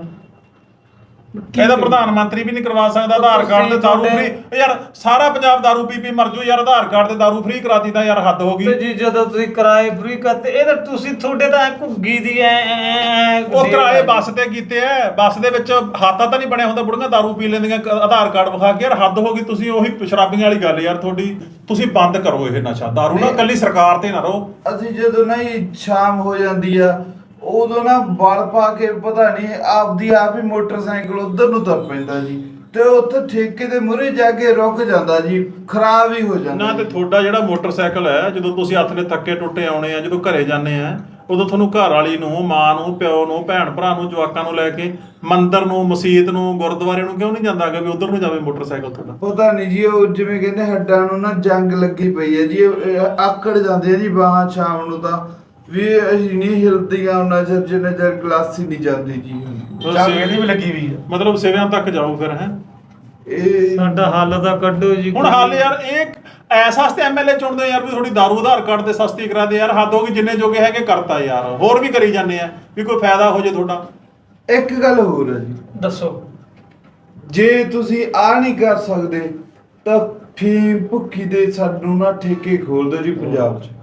A: ਇਹਦਾ ਪ੍ਰਧਾਨ ਮੰਤਰੀ ਵੀ ਨਹੀਂ ਕਰਵਾ ਸਕਦਾ ਆਧਾਰ ਕਾਰਡ ਤੇ ਦਾਰੂ ਫ੍ਰੀ। ਯਾਰ ਸਾਰਾ ਪੰਜਾਬ ਦਾਰੂ ਪੀ ਪੀ ਮਰ ਜੂ ਯਾਰ, ਆਧਾਰ ਕਾਰਡ ਤੇ ਦਾਰੂ ਫ੍ਰੀ ਕਰਾਤੀ ਤਾਂ ਯਾਰ ਹੱਦ ਹੋ ਗਈ।
C: ਤੇ ਜੀ ਜਦੋਂ ਤੁਸੀਂ ਕਿਰਾਏ ਫ੍ਰੀ ਕਰਤੇ, ਇਹ ਤਾਂ ਤੁਸੀਂ ਤੁਹਾਡੇ ਤਾਂ ਘੁੱਗੀ ਦੀ
A: ਉਹ ਕਿਰਾਏ ਬੱਸ ਤੇ ਕੀਤੇ ਐ, ਬੱਸ ਦੇ ਵਿੱਚ ਹਾਤਾ ਤਾਂ ਨਹੀਂ ਬਣਿਆ ਹੁੰਦਾ, ਬੁੜੀਆਂ ਦਾਰੂ ਪੀ ਲੈਂਦੀਆਂ ਆਧਾਰ ਕਾਰਡ ਵਿਖਾ ਕੇ। ਯਾਰ ਹੱਦ ਹੋ ਗਈ। ਤੁਸੀਂ ਉਹੀ ਸ਼ਰਾਬੀਆਂ ਵਾਲੀ ਗੱਲ ਯਾਰ ਤੁਹਾਡੀ। ਤੁਸੀਂ ਬੰਦ ਕਰੋ ਇਹ ਨਸ਼ਾ, ਦਾਰੂ ਨਾ ਇਕੱਲੀ ਸਰਕਾਰ ਤੇ ਨਾ ਰਹੋ।
D: ਅਸੀਂ ਜਦੋਂ ਨਹੀਂ ਸ਼ਾਮ ਹੋ ਜਾਂਦੀ ਆ ਉਦੋਂ ਨਾ ਵਲ ਪਾ ਕੇ ਪਤਾ ਨਹੀਂ ਆਪਦੀ ਆਪ ਹੀ ਮੋਟਰਸਾਈਕਲ ਉਧਰ ਨੂੰ ਤੁਰ ਪੈਂਦਾ ਜੀ, ਤੇ ਉੱਥੇ ਠੇਕੇ ਦੇ ਮੂਹਰੇ ਜਾ ਕੇ ਰੁਕ ਜਾਂਦਾ ਜੀ, ਖਰਾਬ ਹੀ ਹੋ ਜਾਂਦਾ।
A: ਨਾ ਤੇ ਤੁਹਾਡਾ ਜਿਹੜਾ ਮੋਟਰਸਾਈਕਲ ਹੈ, ਜਦੋਂ ਤੁਸੀਂ ਹੱਥ ਨੇ ਥੱਕੇ ਟੁੱਟੇ ਆਉਣੇ ਆ, ਜਦੋਂ ਘਰੇ ਜਾਂਦੇ ਆ, ਉਦੋਂ ਤੁਹਾਨੂੰ ਘਰ ਵਾਲੀ ਨੂੰ, ਮਾਂ ਨੂੰ, ਪਿਓ ਨੂੰ, ਭੈਣ ਭਰਾ ਨੂੰ, ਜਵਾਕਾਂ ਨੂੰ ਲੈ ਕੇ ਮੰਦਿਰ ਨੂੰ, ਮਸਜਿਦ ਨੂੰ, ਗੁਰਦੁਆਰੇ ਨੂੰ ਕਿਉਂ ਨਹੀਂ ਜਾਂਦਾ ਕਿ ਵੀ ਉਧਰ ਨੂੰ ਜਾਵੇ ਮੋਟਰਸਾਈਕਲ ਤੁਹਾਡਾ?
D: ਪਤਾ ਨਹੀਂ ਜੀ, ਉਹ ਜਿਵੇਂ ਕਹਿੰਦੇ ਹੱਡਾਂ ਨੂੰ ਨਾ ਜੰਗ ਲੱਗੀ ਪਈ ਹੈ ਜੀ, ਆਕੜ ਜਾਂਦੇ ਆ ਜੀ ਬਾਹਾਂ ਸ਼ਾਮ ਨੂੰ ਤਾਂ ਵੀ ਅਸੀਂ ਨਹੀਂ ਹਿਲਦੀਆਂ ਉਹਨਾਂ ਚਿਰ ਜਿੰਨੇ ਚਿਰ ਗਲਾਸੀ ਨਹੀਂ ਜਾਂਦੀ ਜੀ।
B: ਇਹਦੀ ਵੀ ਲੱਗੀ ਵੀ ਹੈ।
A: ਮਤਲਬ ਸਿਵਿਆਂ ਤੱਕ ਜਾਓ ਫਿਰ ਹੈ।
D: ਇਹ
C: ਸਾਡਾ ਹੱਲ ਤਾਂ ਕੱਢੋ ਜੀ।
A: ਹੁਣ ਹੱਲ ਯਾਰ ਇਹ ਐਸਾ ਵਾਸਤੇ ਐਮਐਲਏ ਚੁਣਦੇ ਯਾਰ ਵੀ ਥੋੜੀ ਦਾਰੂ ਆਧਾਰ ਕਾਰਡ ਤੇ ਸਸਤੀ ਕਰਾ ਦੇ ਯਾਰ। ਹੱਦ ਹੋ ਗਈ, ਜਿੰਨੇ ਜੋਗੇ ਹੈਗੇ ਕਰਤਾ ਯਾਰ, ਹੋਰ ਵੀ ਕਰੀ ਜਾਂਦੇ ਆ ਵੀ ਕੋਈ ਫਾਇਦਾ ਹੋ ਜੇ ਤੁਹਾਡਾ।
D: ਇੱਕ ਗੱਲ ਹੋਰ ਹੈ ਜੀ,
C: ਦੱਸੋ।
D: ਜੇ ਤੁਸੀਂ ਆ ਨਹੀਂ ਕਰ ਸਕਦੇ ਤਾਂ ਫੀਮ ਭੁੱਖੀ ਦੇ ਸਾਨੂੰ ਨਾ ਠੇਕੇ ਖੋਲ ਦਿਓ ਜੀ ਪੰਜਾਬ 'ਚ।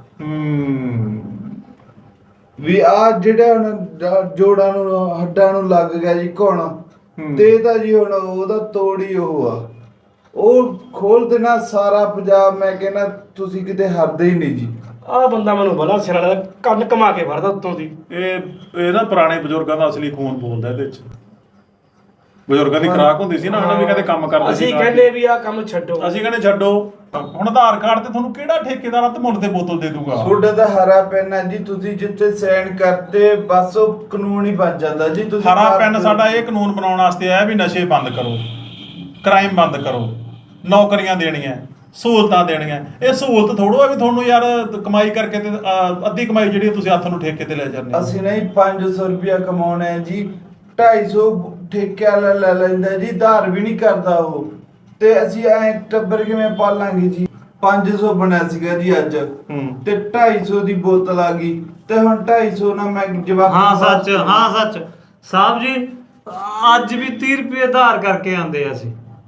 D: ਵੀ ਆ ਜਿਹੜਾ ਹੁਣ ਜੋੜਾਂ ਨੂੰ ਹੱਡਾਂ ਨੂੰ ਲੱਗ ਗਿਆ ਜੀ ਘੁਣ, ਤੇ ਤਾਂ ਜੀ ਹੁਣ ਉਹਦਾ ਤੋੜੀ ਉਹ ਆ, ਉਹ ਖੋਲ ਦੇਣਾ ਸਾਰਾ ਪੰਜਾਬ। ਮੈਂ ਕਹਿੰਦਾ ਤੁਸੀਂ ਕਿਤੇ ਹਰਦੇ ਹੀ ਨਹੀਂ ਜੀ।
B: ਆਹ ਬੰਦਾ ਮੈਨੂੰ ਬੜਾ ਸਿਰ ਵਾਲਾ ਕੰਨ ਕਮਾ ਕੇ ਫੜਦਾ ਉੱਤੋਂ ਦੀ।
A: ਇਹ ਨਾ ਪੁਰਾਣੇ ਬਜ਼ੁਰਗਾਂ ਦਾ ਅਸਲੀ ਖੂਨ ਬੋਲਦਾ ਇਹਦੇ ਵਿੱਚ। ਬਜ਼ੁਰਗਾਂ ਦੀ ਖੁਰਾਕ ਹੁੰਦੀ ਸੀ ਨਾ, ਉਹਨਾਂ ਵੀ ਕਹਿੰਦੇ ਕੰਮ ਕਰਦੇ ਸੀ।
B: ਅਸੀਂ ਕਹਿੰਦੇ ਵੀ ਆਹ ਕੰਮ ਛੱਡੋ,
A: ਅਸੀਂ ਕਹਿੰਦੇ ਛੱਡੋ। ਹੁਣ ਆਧਾਰ ਕਾਰਡ ਤੇ ਤੁਹਾਨੂੰ ਕਿਹੜਾ ਠੇਕੇਦਾਰ ਤੇ ਮੁੱਲ ਤੇ ਬੋਤਲ ਦੇ ਦੂਗਾ?
D: ਤੁਹਾਡਾ ਤਾਂ ਹਰਾ ਪੈਨ ਹੈ ਜੀ, ਤੁਸੀਂ ਜਿੱਥੇ ਸਾਈਨ ਕਰਤੇ ਬਸ ਉਹ ਕਾਨੂੰਨ ਹੀ ਬਣ ਜਾਂਦਾ ਜੀ। ਤੁਸੀਂ
A: ਹਰਾ ਪੈਨ ਸਾਡਾ ਇਹ ਕਾਨੂੰਨ ਬਣਾਉਣ ਵਾਸਤੇ ਆਇਆ ਵੀ ਨਸ਼ੇ ਬੰਦ ਕਰੋ, ਕ੍ਰਾਈਮ ਬੰਦ ਕਰੋ, ਨੌਕਰੀਆਂ ਦੇਣੀਆਂ, ਸਹੂਲਤਾਂ ਦੇਣੀਆਂ। ਇਹ ਸਹੂਲਤ ਥੋੜੋ ਆ ਵੀ ਤੁਹਾਨੂੰ ਯਾਰ ਕਮਾਈ ਕਰਕੇ ਤੇ ਅੱਧੀ ਕਮਾਈ ਜਿਹੜੀ ਤੁਸੀਂ ਹੱਥ ਨੂੰ ਠੇਕੇ ਤੇ ਲੈ ਜਾਂਦੇ।
D: ਅਸੀਂ ਨਹੀਂ 500 ਰੁਪਇਆ ਕਮਾਉਣਾ ਹੈ ਜੀ, 250 ਠੇਕੇ ਵਾਲਾ ਲੈ ਲੈਂਦਾ ਜੀ, ਧਾਰ ਵੀ ਨਹੀਂ ਕਰਦਾ ਉਹ, ਤੇ ਅਸੀਂ ਐ ਟੱਬਰ ਕਿਵੇਂ ਪਾਲਾਂਗੇ ਜੀ? 500 ਬਣਿਆ ਸੀਗਾ ਜੀ ਅੱਜ, ਤੇ 250 ਦੀ ਬੋਤਲ ਆ ਗਈ, ਤੇ ਹੁਣ 250 ਨਾਲ ਮੈਂ ਜਵਾਬ।
C: ਹਾਂ ਸੱਚ ਸਾਹਿਬ ਜੀ, ਅੱਜ ਵੀ 30 ਰੁਪਏ ਆਧਾਰ ਕਰਕੇ ਆਂਦੇ ਆ ਅਸੀਂ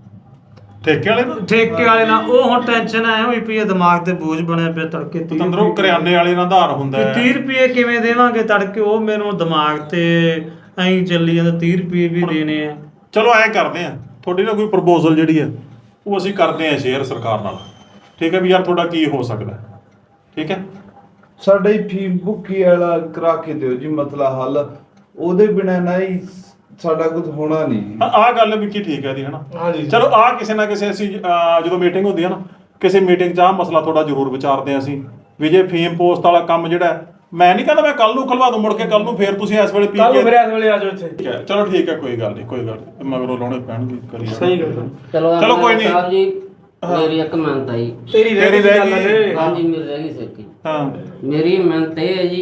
A: ਠੇਕੇ ਵਾਲੇ ਨਾਲ।
C: ਠੇਕੇ ਵਾਲੇ ਨਾਲ ਉਹ ਹੁਣ ਟੈਨਸ਼ਨ ਆਇਆ ਹੋਈ ਪਈ ਹੈ, ਦਿਮਾਗ ਤੇ ਬੋਝ ਬਣਿਆ ਪਿਆ। ਤੜਕੇ 30
A: ਤੰਦਰੋਂ ਕਰਿਆਨੇ ਵਾਲੇ ਨਾਲ ਆਧਾਰ ਹੁੰਦਾ ਹੈ।
C: 30 ਰੁਪਏ ਕਿਵੇਂ ਦੇਵਾਂਗੇ ਤੜਕੇ? ਉਹ ਮੈਨੂੰ ਦਿਮਾਗ ਤੇ ਐਂ ਚੱਲੀ ਜਾਂਦਾ, 30 ਰੁਪਏ ਵੀ ਦੇਣੇ ਆ।
A: ਚਲੋ ਐਂ ਕਰਦੇ ਆ, ਤੁਹਾਡੀ ਨਾ ਕੋਈ ਪ੍ਰਪੋਜ਼ਲ ਜਿਹੜੀ ਹੈ ਉਹ ਅਸੀਂ ਕਰਦੇ ਆ ਸ਼ੇਅਰ ਸਰਕਾਰ ਨਾਲ, ਠੀਕ ਹੈ ਵੀ ਯਾਰ ਤੁਹਾਡਾ ਕੀ ਹੋ ਸਕਦਾ, ਠੀਕ ਹੈ?
D: ਸਾਡਾ ਹੀ ਫੀਮ ਭੁੱਖੀ ਵਾਲਾ ਕਰਾ ਕੇ ਦਿਓ ਜੀ ਮਸਲਾ ਹੱਲ, ਉਹਦੇ ਬਿਨਾਂ ਨਹੀਂ ਸਾਡਾ ਕੁਝ ਹੋਣਾ ਨਹੀਂ।
A: ਆਹ ਗੱਲ ਵੀ ਕੀ ਠੀਕ ਹੈ ਦੀ ਹਨਾ।
B: ਹਾਂਜੀ।
A: ਚਲੋ ਆਹ ਕਿਸੇ ਨਾ ਕਿਸੇ ਅਸੀਂ ਜਦੋਂ ਮੀਟਿੰਗ ਹੁੰਦੀ ਹੈ ਨਾ, ਕਿਸੇ ਮੀਟਿੰਗ 'ਚ ਆਹ ਮਸਲਾ ਤੁਹਾਡਾ ਜ਼ਰੂਰ ਵਿਚਾਰਦੇ ਆ ਅਸੀਂ ਵੀ ਜੇ ਫੀਮ ਪੋਸਟ ਵਾਲਾ ਕੰਮ ਜਿਹੜਾ, ਮੈਂ ਨਹੀਂ ਕਹਿੰਦਾ ਮੈਂ ਕੱਲ ਨੂੰ ਖਲਵਾ ਦੂੰ ਮੁੜ ਕੇ, ਕੱਲ ਨੂੰ ਫੇਰ ਤੁਸੀਂ ਇਸ ਵੇਲੇ ਪੀ
B: ਕੱਲ
A: ਕੇ
B: ਮੇਰੇ ਇਸ ਵੇਲੇ ਆ ਜਾਓ ਇੱਥੇ।
A: ਠੀਕ ਹੈ, ਚਲੋ ਠੀਕ ਹੈ, ਕੋਈ ਗੱਲ ਨਹੀਂ, ਕੋਈ ਗੱਲ ਨਹੀਂ, ਮਗਰੋਂ ਲਾਉਣੇ ਪੈਣਗੇ ਕਰੀ
B: ਸਹੀ ਗੱਲ ਹੈ।
A: ਚਲੋ ਕੋਈ ਨਹੀਂ।
E: ਸਾਹਿਬ ਜੀ ਮੇਰੀ ਇੱਕ ਮਿਹਨਤ ਆਈ।
B: ਤੇਰੀ ਰਹਿ ਗਈ।
E: ਹਾਂਜੀ ਮੇਰੀ ਰਹਿ ਗਈ ਸਿੱਕੀ।
A: ਹਾਂ
E: ਮੇਰੀ ਮਿਹਨਤ ਇਹ ਹੈ ਜੀ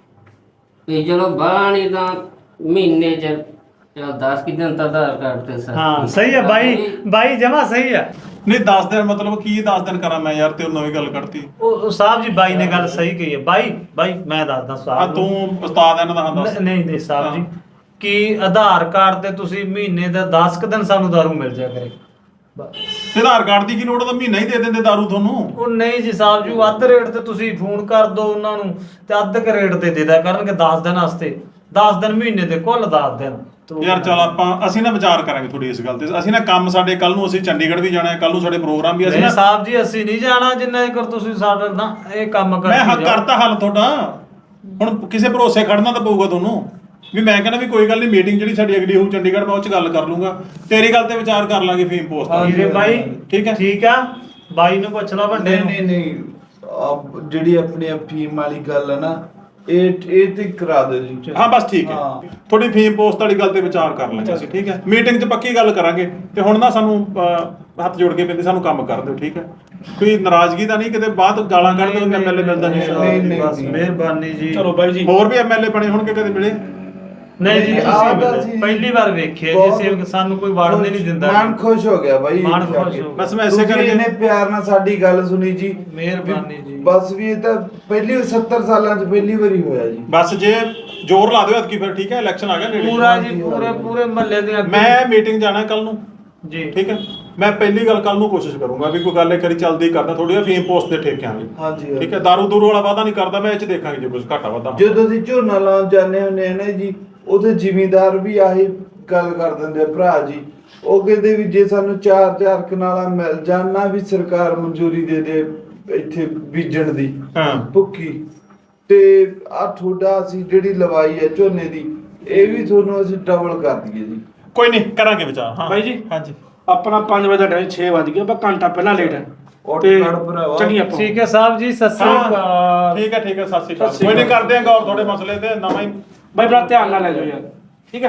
E: ਵੀ ਚਲੋ ਬਾਣੀ ਤਾਂ ਮਹੀਨੇ ਚ 10 ਕਿ ਦਿਨ ਤਾਂ ਆਧਾਰ ਕਾਰਡ ਤੇ ਸਰ।
C: ਹਾਂ ਸਹੀ ਹੈ ਬਾਈ ਜਮਾ ਸਹੀ ਹੈ।
A: ਨਹੀਂ 10 ਦਿਨ ਮਤਲਬ ਕੀ 10 ਦਿਨ ਕਰਾਂ ਮੈਂ ਯਾਰ, ਤੇ ਉਹ ਨਵੀਂ ਗੱਲ ਕਰਤੀ।
C: ਉਹ ਸਾਹਿਬ ਜੀ ਬਾਈ ਨੇ ਗੱਲ ਸਹੀ ਕਹੀ ਹੈ। ਬਾਈ ਮੈਂ ਦੱਸਦਾ
A: ਆ
C: ਸਾਹਿਬ
A: ਤੂੰ ਉਸਤਾਦ ਇਹਨਾਂ ਦਾ ਹਾਂ ਦੱਸ।
C: ਨਹੀਂ ਸਾਹਿਬ ਜੀ, ਕਿ ਆਧਾਰ ਕਾਰਡ ਤੇ ਤੁਸੀਂ ਮਹੀਨੇ ਦਾ 10 ਕੁ ਦਿਨ ਸਾਨੂੰ ਦਾਰੂ ਮਿਲ ਜਾ ਕਰੇ।
A: ਤੇ ਆਧਾਰ ਕਾਰਡ ਦੀ ਕੀ ਲੋੜ, ਤਾਂ ਮਹੀਨਾ ਹੀ ਦੇ ਦਿੰਦੇ ਦਾਰੂ ਤੁਹਾਨੂੰ।
C: ਉਹ ਨਹੀਂ ਜੀ ਸਾਹਿਬ ਜੀ, ਅੱਧ ਰੇਟ ਤੇ ਤੁਸੀਂ ਫੋਨ ਕਰ ਦਿਓ ਉਹਨਾਂ ਨੂੰ ਤੇ ਅੱਧ ਕ ਰੇਟ ਤੇ ਦੇ ਦਿਆ ਕਰਨਗੇ 10 ਦਿਨ ਵਾਸਤੇ। 10 ਦਿਨ ਮਹੀਨੇ ਦੇ ਕੁੱਲ 10 ਦਿਨ।
A: ਯਾਰ ਚਲ ਅਸੀਂ ਨਾ ਵਿਚਾਰ ਕਰਾਂਗੇ ਤੁਹਾਡੀ ਇਸ ਗੱਲ ਤੇ। ਅਸੀਂ ਨਾ ਕੰਮ ਸਾਡੇ ਕੱਲ ਨੂੰ ਅਸੀਂ ਚੰਡੀਗੜ੍ਹ ਵੀ ਜਾਣਾ ਹੈ, ਕੱਲ ਨੂੰ ਸਾਡੇ ਪ੍ਰੋਗਰਾਮ ਵੀ ਅਸੀਂ
C: ਨਹੀਂ
A: ਨਾ
C: ਸਾਹਿਬ ਜੀ, ਅਸੀਂ ਨਹੀਂ ਜਾਣਾ ਜਿੰਨਾ ਚਿਰ ਤੁਸੀਂ ਸਾਡਾ ਨਾ ਇਹ ਕੰਮ ਕਰ।
A: ਮੈਂ ਹੱਕ ਕਰਤਾ ਹੱਲ ਤੁਹਾਡਾ। ਹੁਣ ਕਿਸੇ ਭਰੋਸੇ ਖੜਨਾ ਤਾਂ ਪਊਗਾ ਤੁਹਾਨੂੰ ਵੀ। ਮੈਂ ਕਹਿੰਦਾ ਵੀ ਕੋਈ ਗੱਲ ਨਹੀਂ, ਮੀਟਿੰਗ ਜਿਹੜੀ ਸਾਡੀ ਅਗਲੀ ਹੋਊ ਚੰਡੀਗੜ੍ਹ, ਮੈਂ ਉਹ 'ਚ ਗੱਲ ਕਰ ਲੂੰਗਾ। ਤੇਰੀ ਗੱਲ ਤੇ ਵਿਚਾਰ ਕਰ ਲਾਂਗੇ ਫੀਮ ਪੋਸਟ ਦਾ।
C: ਵੀਰੇ ਬਾਈ
A: ਠੀਕ ਹੈ।
C: ਠੀਕ ਆ, ਬਾਈ ਨੂੰ ਪੁੱਛ ਲਾ ਵੱਡੇ ਨੂੰ।
D: ਨਹੀਂ ਜਿਹੜੀ ਆਪਣੀ ਫੀਮ ਵਾਲੀ ਗੱਲ ਹੈ ਨਾ, ਇਹ ਤੇ ਕਰਾ ਦਿਓ ਜੀ।
A: ਹਾਂ ਬਸ ਠੀਕ ਹੈ।
D: ਹਾਂ।
A: ਥੋੜੀ ਫੀਮ ਪੋਸਟ ਵਾਲੀ ਗੱਲ ਤੇ ਵਿਚਾਰ ਕਰ ਲਾਂਗੇ ਅਸੀਂ, ਠੀਕ ਹੈ। ਮੀਟਿੰਗ 'ਚ ਪੱਕੀ ਗੱਲ ਕਰਾਂਗੇ। ਤੇ ਹੁਣ ਨਾ ਸਾਨੂੰ ਹੱਥ ਜੋੜ ਕੇ ਪੈਂਦੇ, ਸਾਨੂੰ ਕੰਮ ਕਰ ਦਿਓ, ਠੀਕ ਹੈ। ਕੋਈ ਨਾਰਾਜ਼ਗੀ ਤਾਂ ਨਹੀਂ, ਕਿਤੇ ਬਾਅਦ ਗਾਲਾਂ ਕੱਢ ਦਿਓ ਐਮਐਲਏ ਮਿਲਦਾ ਨਹੀਂ।
C: ਬਸ ਮਿਹਰਬਾਨੀ ਜੀ।
B: ਚਲੋ ਬਾਈ ਜੀ,
A: ਹੋਰ ਵੀ ਐਮਐਲਏ ਬਣੇ ਹੋਣਗੇ ਕਦੇ ਮਿਲੇ?
C: ਨਹੀਂ ਜੀ,
D: ਆਹ ਤਾਂ
C: ਤੁਸੀਂ
D: ਜੀ
C: ਪਹਿਲੀ ਵਾਰ ਵੇਖਿਆ ਜੀ, ਅਸੀਂ ਸਾਨੂੰ ਕੋਈ ਵੜਨ ਨਹੀਂ ਦਿੰਦਾ।
D: ਮਨ ਖੁਸ਼ ਹੋ ਗਿਆ ਬਾਈ।
C: ਮਨ ਖੁਸ਼ ਹੋ
A: ਬਸ ਮੈਂ ਇਸੇ ਕਰਕੇ
D: ਇਹਨੇ ਪਿਆਰ ਨਾਲ ਸਾਡੀ ਗੱਲ ਸੁਣੀ ਜੀ।
C: ਮਿਹਰਬਾਨੀ ਜੀ।
D: ਬਸ ਵੀ ਇਹ ਤਾਂ ਪਹਿਲੀ 70 ਸਾਲਾਂ 'ਚ ਪਹਿਲੀ ਵਾਰੀ ਹੋਇਆ ਜੀ।
A: ਬਸ ਜੇ ਜ਼ੋਰ ਲਾ ਦਿਓ ਐਤਕੀ ਫਿਰ, ਠੀਕ ਹੈ। ਇਲੈਕਸ਼ਨ ਆ ਗਿਆ ਨੇੜੇ।
C: ਪੂਰਾ ਜੀ, ਪੂਰੇ ਮਹੱਲੇ ਦੇ ਅੱਗੇ।
A: ਮੈਂ ਮੀਟਿੰਗ ਜਾਣਾ ਕੱਲ ਨੂੰ,
C: ਜੀ
A: ਠੀਕ ਹੈ। ਮੈਂ ਪਹਿਲੀ ਗੱਲ ਕੱਲ ਨੂੰ ਕੋਸ਼ਿਸ਼ ਕਰੂੰਗਾ ਵੀ ਕੋਈ ਗੱਲ ਇੱਕ ਵਾਰੀ ਚੱਲਦੀ ਕਰਦਾ ਥੋੜੀ ਜਿਹੀ ਫੀਮ ਪੋਸਟ ਦੇ ਠੇਕਿਆਂ ਲਈ।
D: ਹਾਂਜੀ
A: ਠੀਕ ਹੈ। ਦਾਰੂ ਦੂਰੂ ਵਾਲਾ ਵਾਦਾ ਨਹੀਂ ਕਰਦਾ ਮੈਂ, ਇਹ 'ਚ ਦੇਖਾਂਗੇ ਜੇ ਕੁਝ ਘਾਟਾ ਵਾਧਾ।
D: ਜਦੋਂ ਅਸੀਂ ਝੋਨਾ ਲਾਉਣ ਜਾਂਦੇ ਹੁੰਦੇ ਆ ਨਾ ਜੀ, ਉਹਦੇ ਜ਼ਿਮੀਂਦਾਰ ਵੀ ਆਹੀ ਗੱਲ ਕਰ ਦਿੰਦੇ ਆ ਭਰਾ ਜੀ। ਉਹ ਕਹਿੰਦੇ ਵੀ ਜੇ ਸਾਨੂੰ 4-4 ਕਨਾਲਾਂ ਮਿਲ ਜਾਣ ਨਾ, ਵੀ ਸਰਕਾਰ ਮਨਜ਼ੂਰੀ ਦੇ ਦੇ ਇੱਥੇ ਬੀਜਣ ਦੀ
A: ਹਾਂ
D: ਭੁੱਖੀ, ਤੇ ਆ ਤੁਹਾਡਾ ਅਸੀਂ ਜਿਹੜੀ ਲਵਾਈ ਹੈ ਝੋਨੇ ਦੀ, ਇਹ ਵੀ ਤੁਹਾਨੂੰ ਅਸੀਂ ਡਬਲ ਕਰ ਦਈਏ ਜੀ।
A: ਕੋਈ ਨਹੀਂ, ਕਰਾਂਗੇ ਵਿਚਾਰ। ਹਾਂ
B: ਬਾਈ ਜੀ।
A: ਹਾਂਜੀ।
B: ਆਪਣਾ 5 ਵਜੇ ਦਾ ਟਾਈਮ 6 ਵਜ ਗਿਆ, ਬਸ ਘੰਟਾ ਪਹਿਲਾਂ ਲੇਟ ਹੈ
D: ਉੱਠ
B: ਤੇ
D: ਖੜ ਭਰਾਵਾ।
B: ਚੱਲੀਏ ਆਪਾਂ।
C: ਠੀਕ ਹੈ ਸਾਹਿਬ ਜੀ, ਸਤਿ ਸ੍ਰੀ ਅਕਾਲ।
A: ਠੀਕ ਹੈ ਠੀਕ ਹੈ, ਸਤਿ ਸ਼੍ਰੀ ਅਕਾਲ।
B: ਸਤਿ ਸ਼੍ਰੀ
A: ਕੋਈ ਨਹੀਂ,
B: ਅਕਾਲ।
A: ਕਰਦੇ ਆਂ ਗੌਰ ਤੁਹਾਡੇ ਮਸਲੇ ਤੇ। ਨਵਾਂ ਹੀ
B: ਬਾਈ ਬੜਾ ਧਿਆਨ ਨਾਲ ਲੈ ਜਾਓ ਯਾਰ, ਠੀਕ ਹੈ।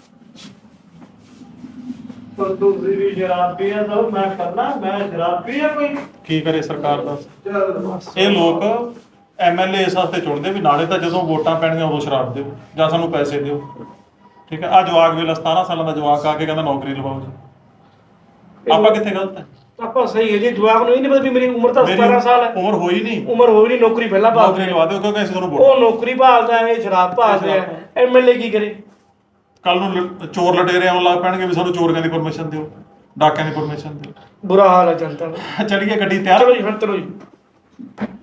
C: ਤੁਸੀਂ ਵੀ ਸ਼ਰਾਬ ਪੀਆ ਤਾਂ ਮੈਂ ਕਰਨਾ, ਮੈਂ ਸ਼ਰਾਬ ਪੀਆ ਕੋਈ।
A: ਕੀ ਕਰੇ ਸਰਕਾਰ ਦਾ। ਇਹ ਲੋਕ ਐਮਐਲਏ ਇਸ ਵਾਸਤੇ ਚੁਣਦੇ ਵੀ ਨਾਲੇ ਤਾਂ ਜਦੋਂ ਵੋਟਾਂ ਪੈਣਗੀਆਂ ਉਦੋਂ ਸ਼ਰਾਬ ਦਿਓ ਜਾਂ ਸਾਨੂੰ ਪੈਸੇ ਦਿਓ, ਠੀਕ ਹੈ। ਆ ਜਵਾਕ ਵੇਲਾ 17 ਸਾਲਾਂ ਦਾ ਜਵਾਕ ਆ ਕੇ ਕਹਿੰਦਾ ਨੌਕਰੀ ਲਵਾਓ ਜੀ। ਆਪਾਂ ਕਿੱਥੇ ਗਲਤ ਹੈ?
B: ਆਪਾਂ ਸਹੀ ਹੈ ਜੀ। ਜਵਾਬ ਨੂੰ ਇਹ ਨਹੀਂ ਪਤਾ ਵੀ ਮੇਰੀ ਉਮਰ ਤਾਂ 17 ਸਾਲ ਹੈ।
A: ਉਮਰ ਹੋਈ ਨਹੀਂ,
B: ਉਮਰ ਹੋਈ ਨਹੀਂ, ਨੌਕਰੀ ਪਹਿਲਾਂ
A: ਨੌਕਰੀ
B: ਭਾਲਦੇ
A: ਲਵਾ ਦਿਓ ਕਿਉਂਕਿ ਅਸੀਂ ਤੁਹਾਨੂੰ
B: ਉਹ
A: ਵੋਟ।
B: ਨੌਕਰੀ ਭਾਲਦਾ ਹੈ, ਇਹ ਸ਼ਰਾਬ ਭਾਲਦੇ ਆ। ਐਮਐਲਏ ਕੀ ਕਰੇ?
A: ਕੱਲ ਨੂੰ ਚੋਰ ਲਟੇਰੇ ਆਉਣ ਲੱਗ ਪੈਣਗੇ ਵੀ ਸਾਨੂੰ ਚੋਰੀਆਂ ਦੀ ਪਰਮਿਸ਼ਨ ਦਿਓ, ਡਾਕਿਆਂ ਦੀ ਪਰਮਿਸ਼ਨ ਦਿਓ।
B: ਬੁਰਾ ਹਾਲ ਹੈ ਜਨਤਾ ਦਾ।
A: ਚਲੀਏ ਗੱਡੀ ਤਿਆਰ।
B: ਚਲੋ ਜੀ, ਫਿਰ ਚਲੋ ਜੀ।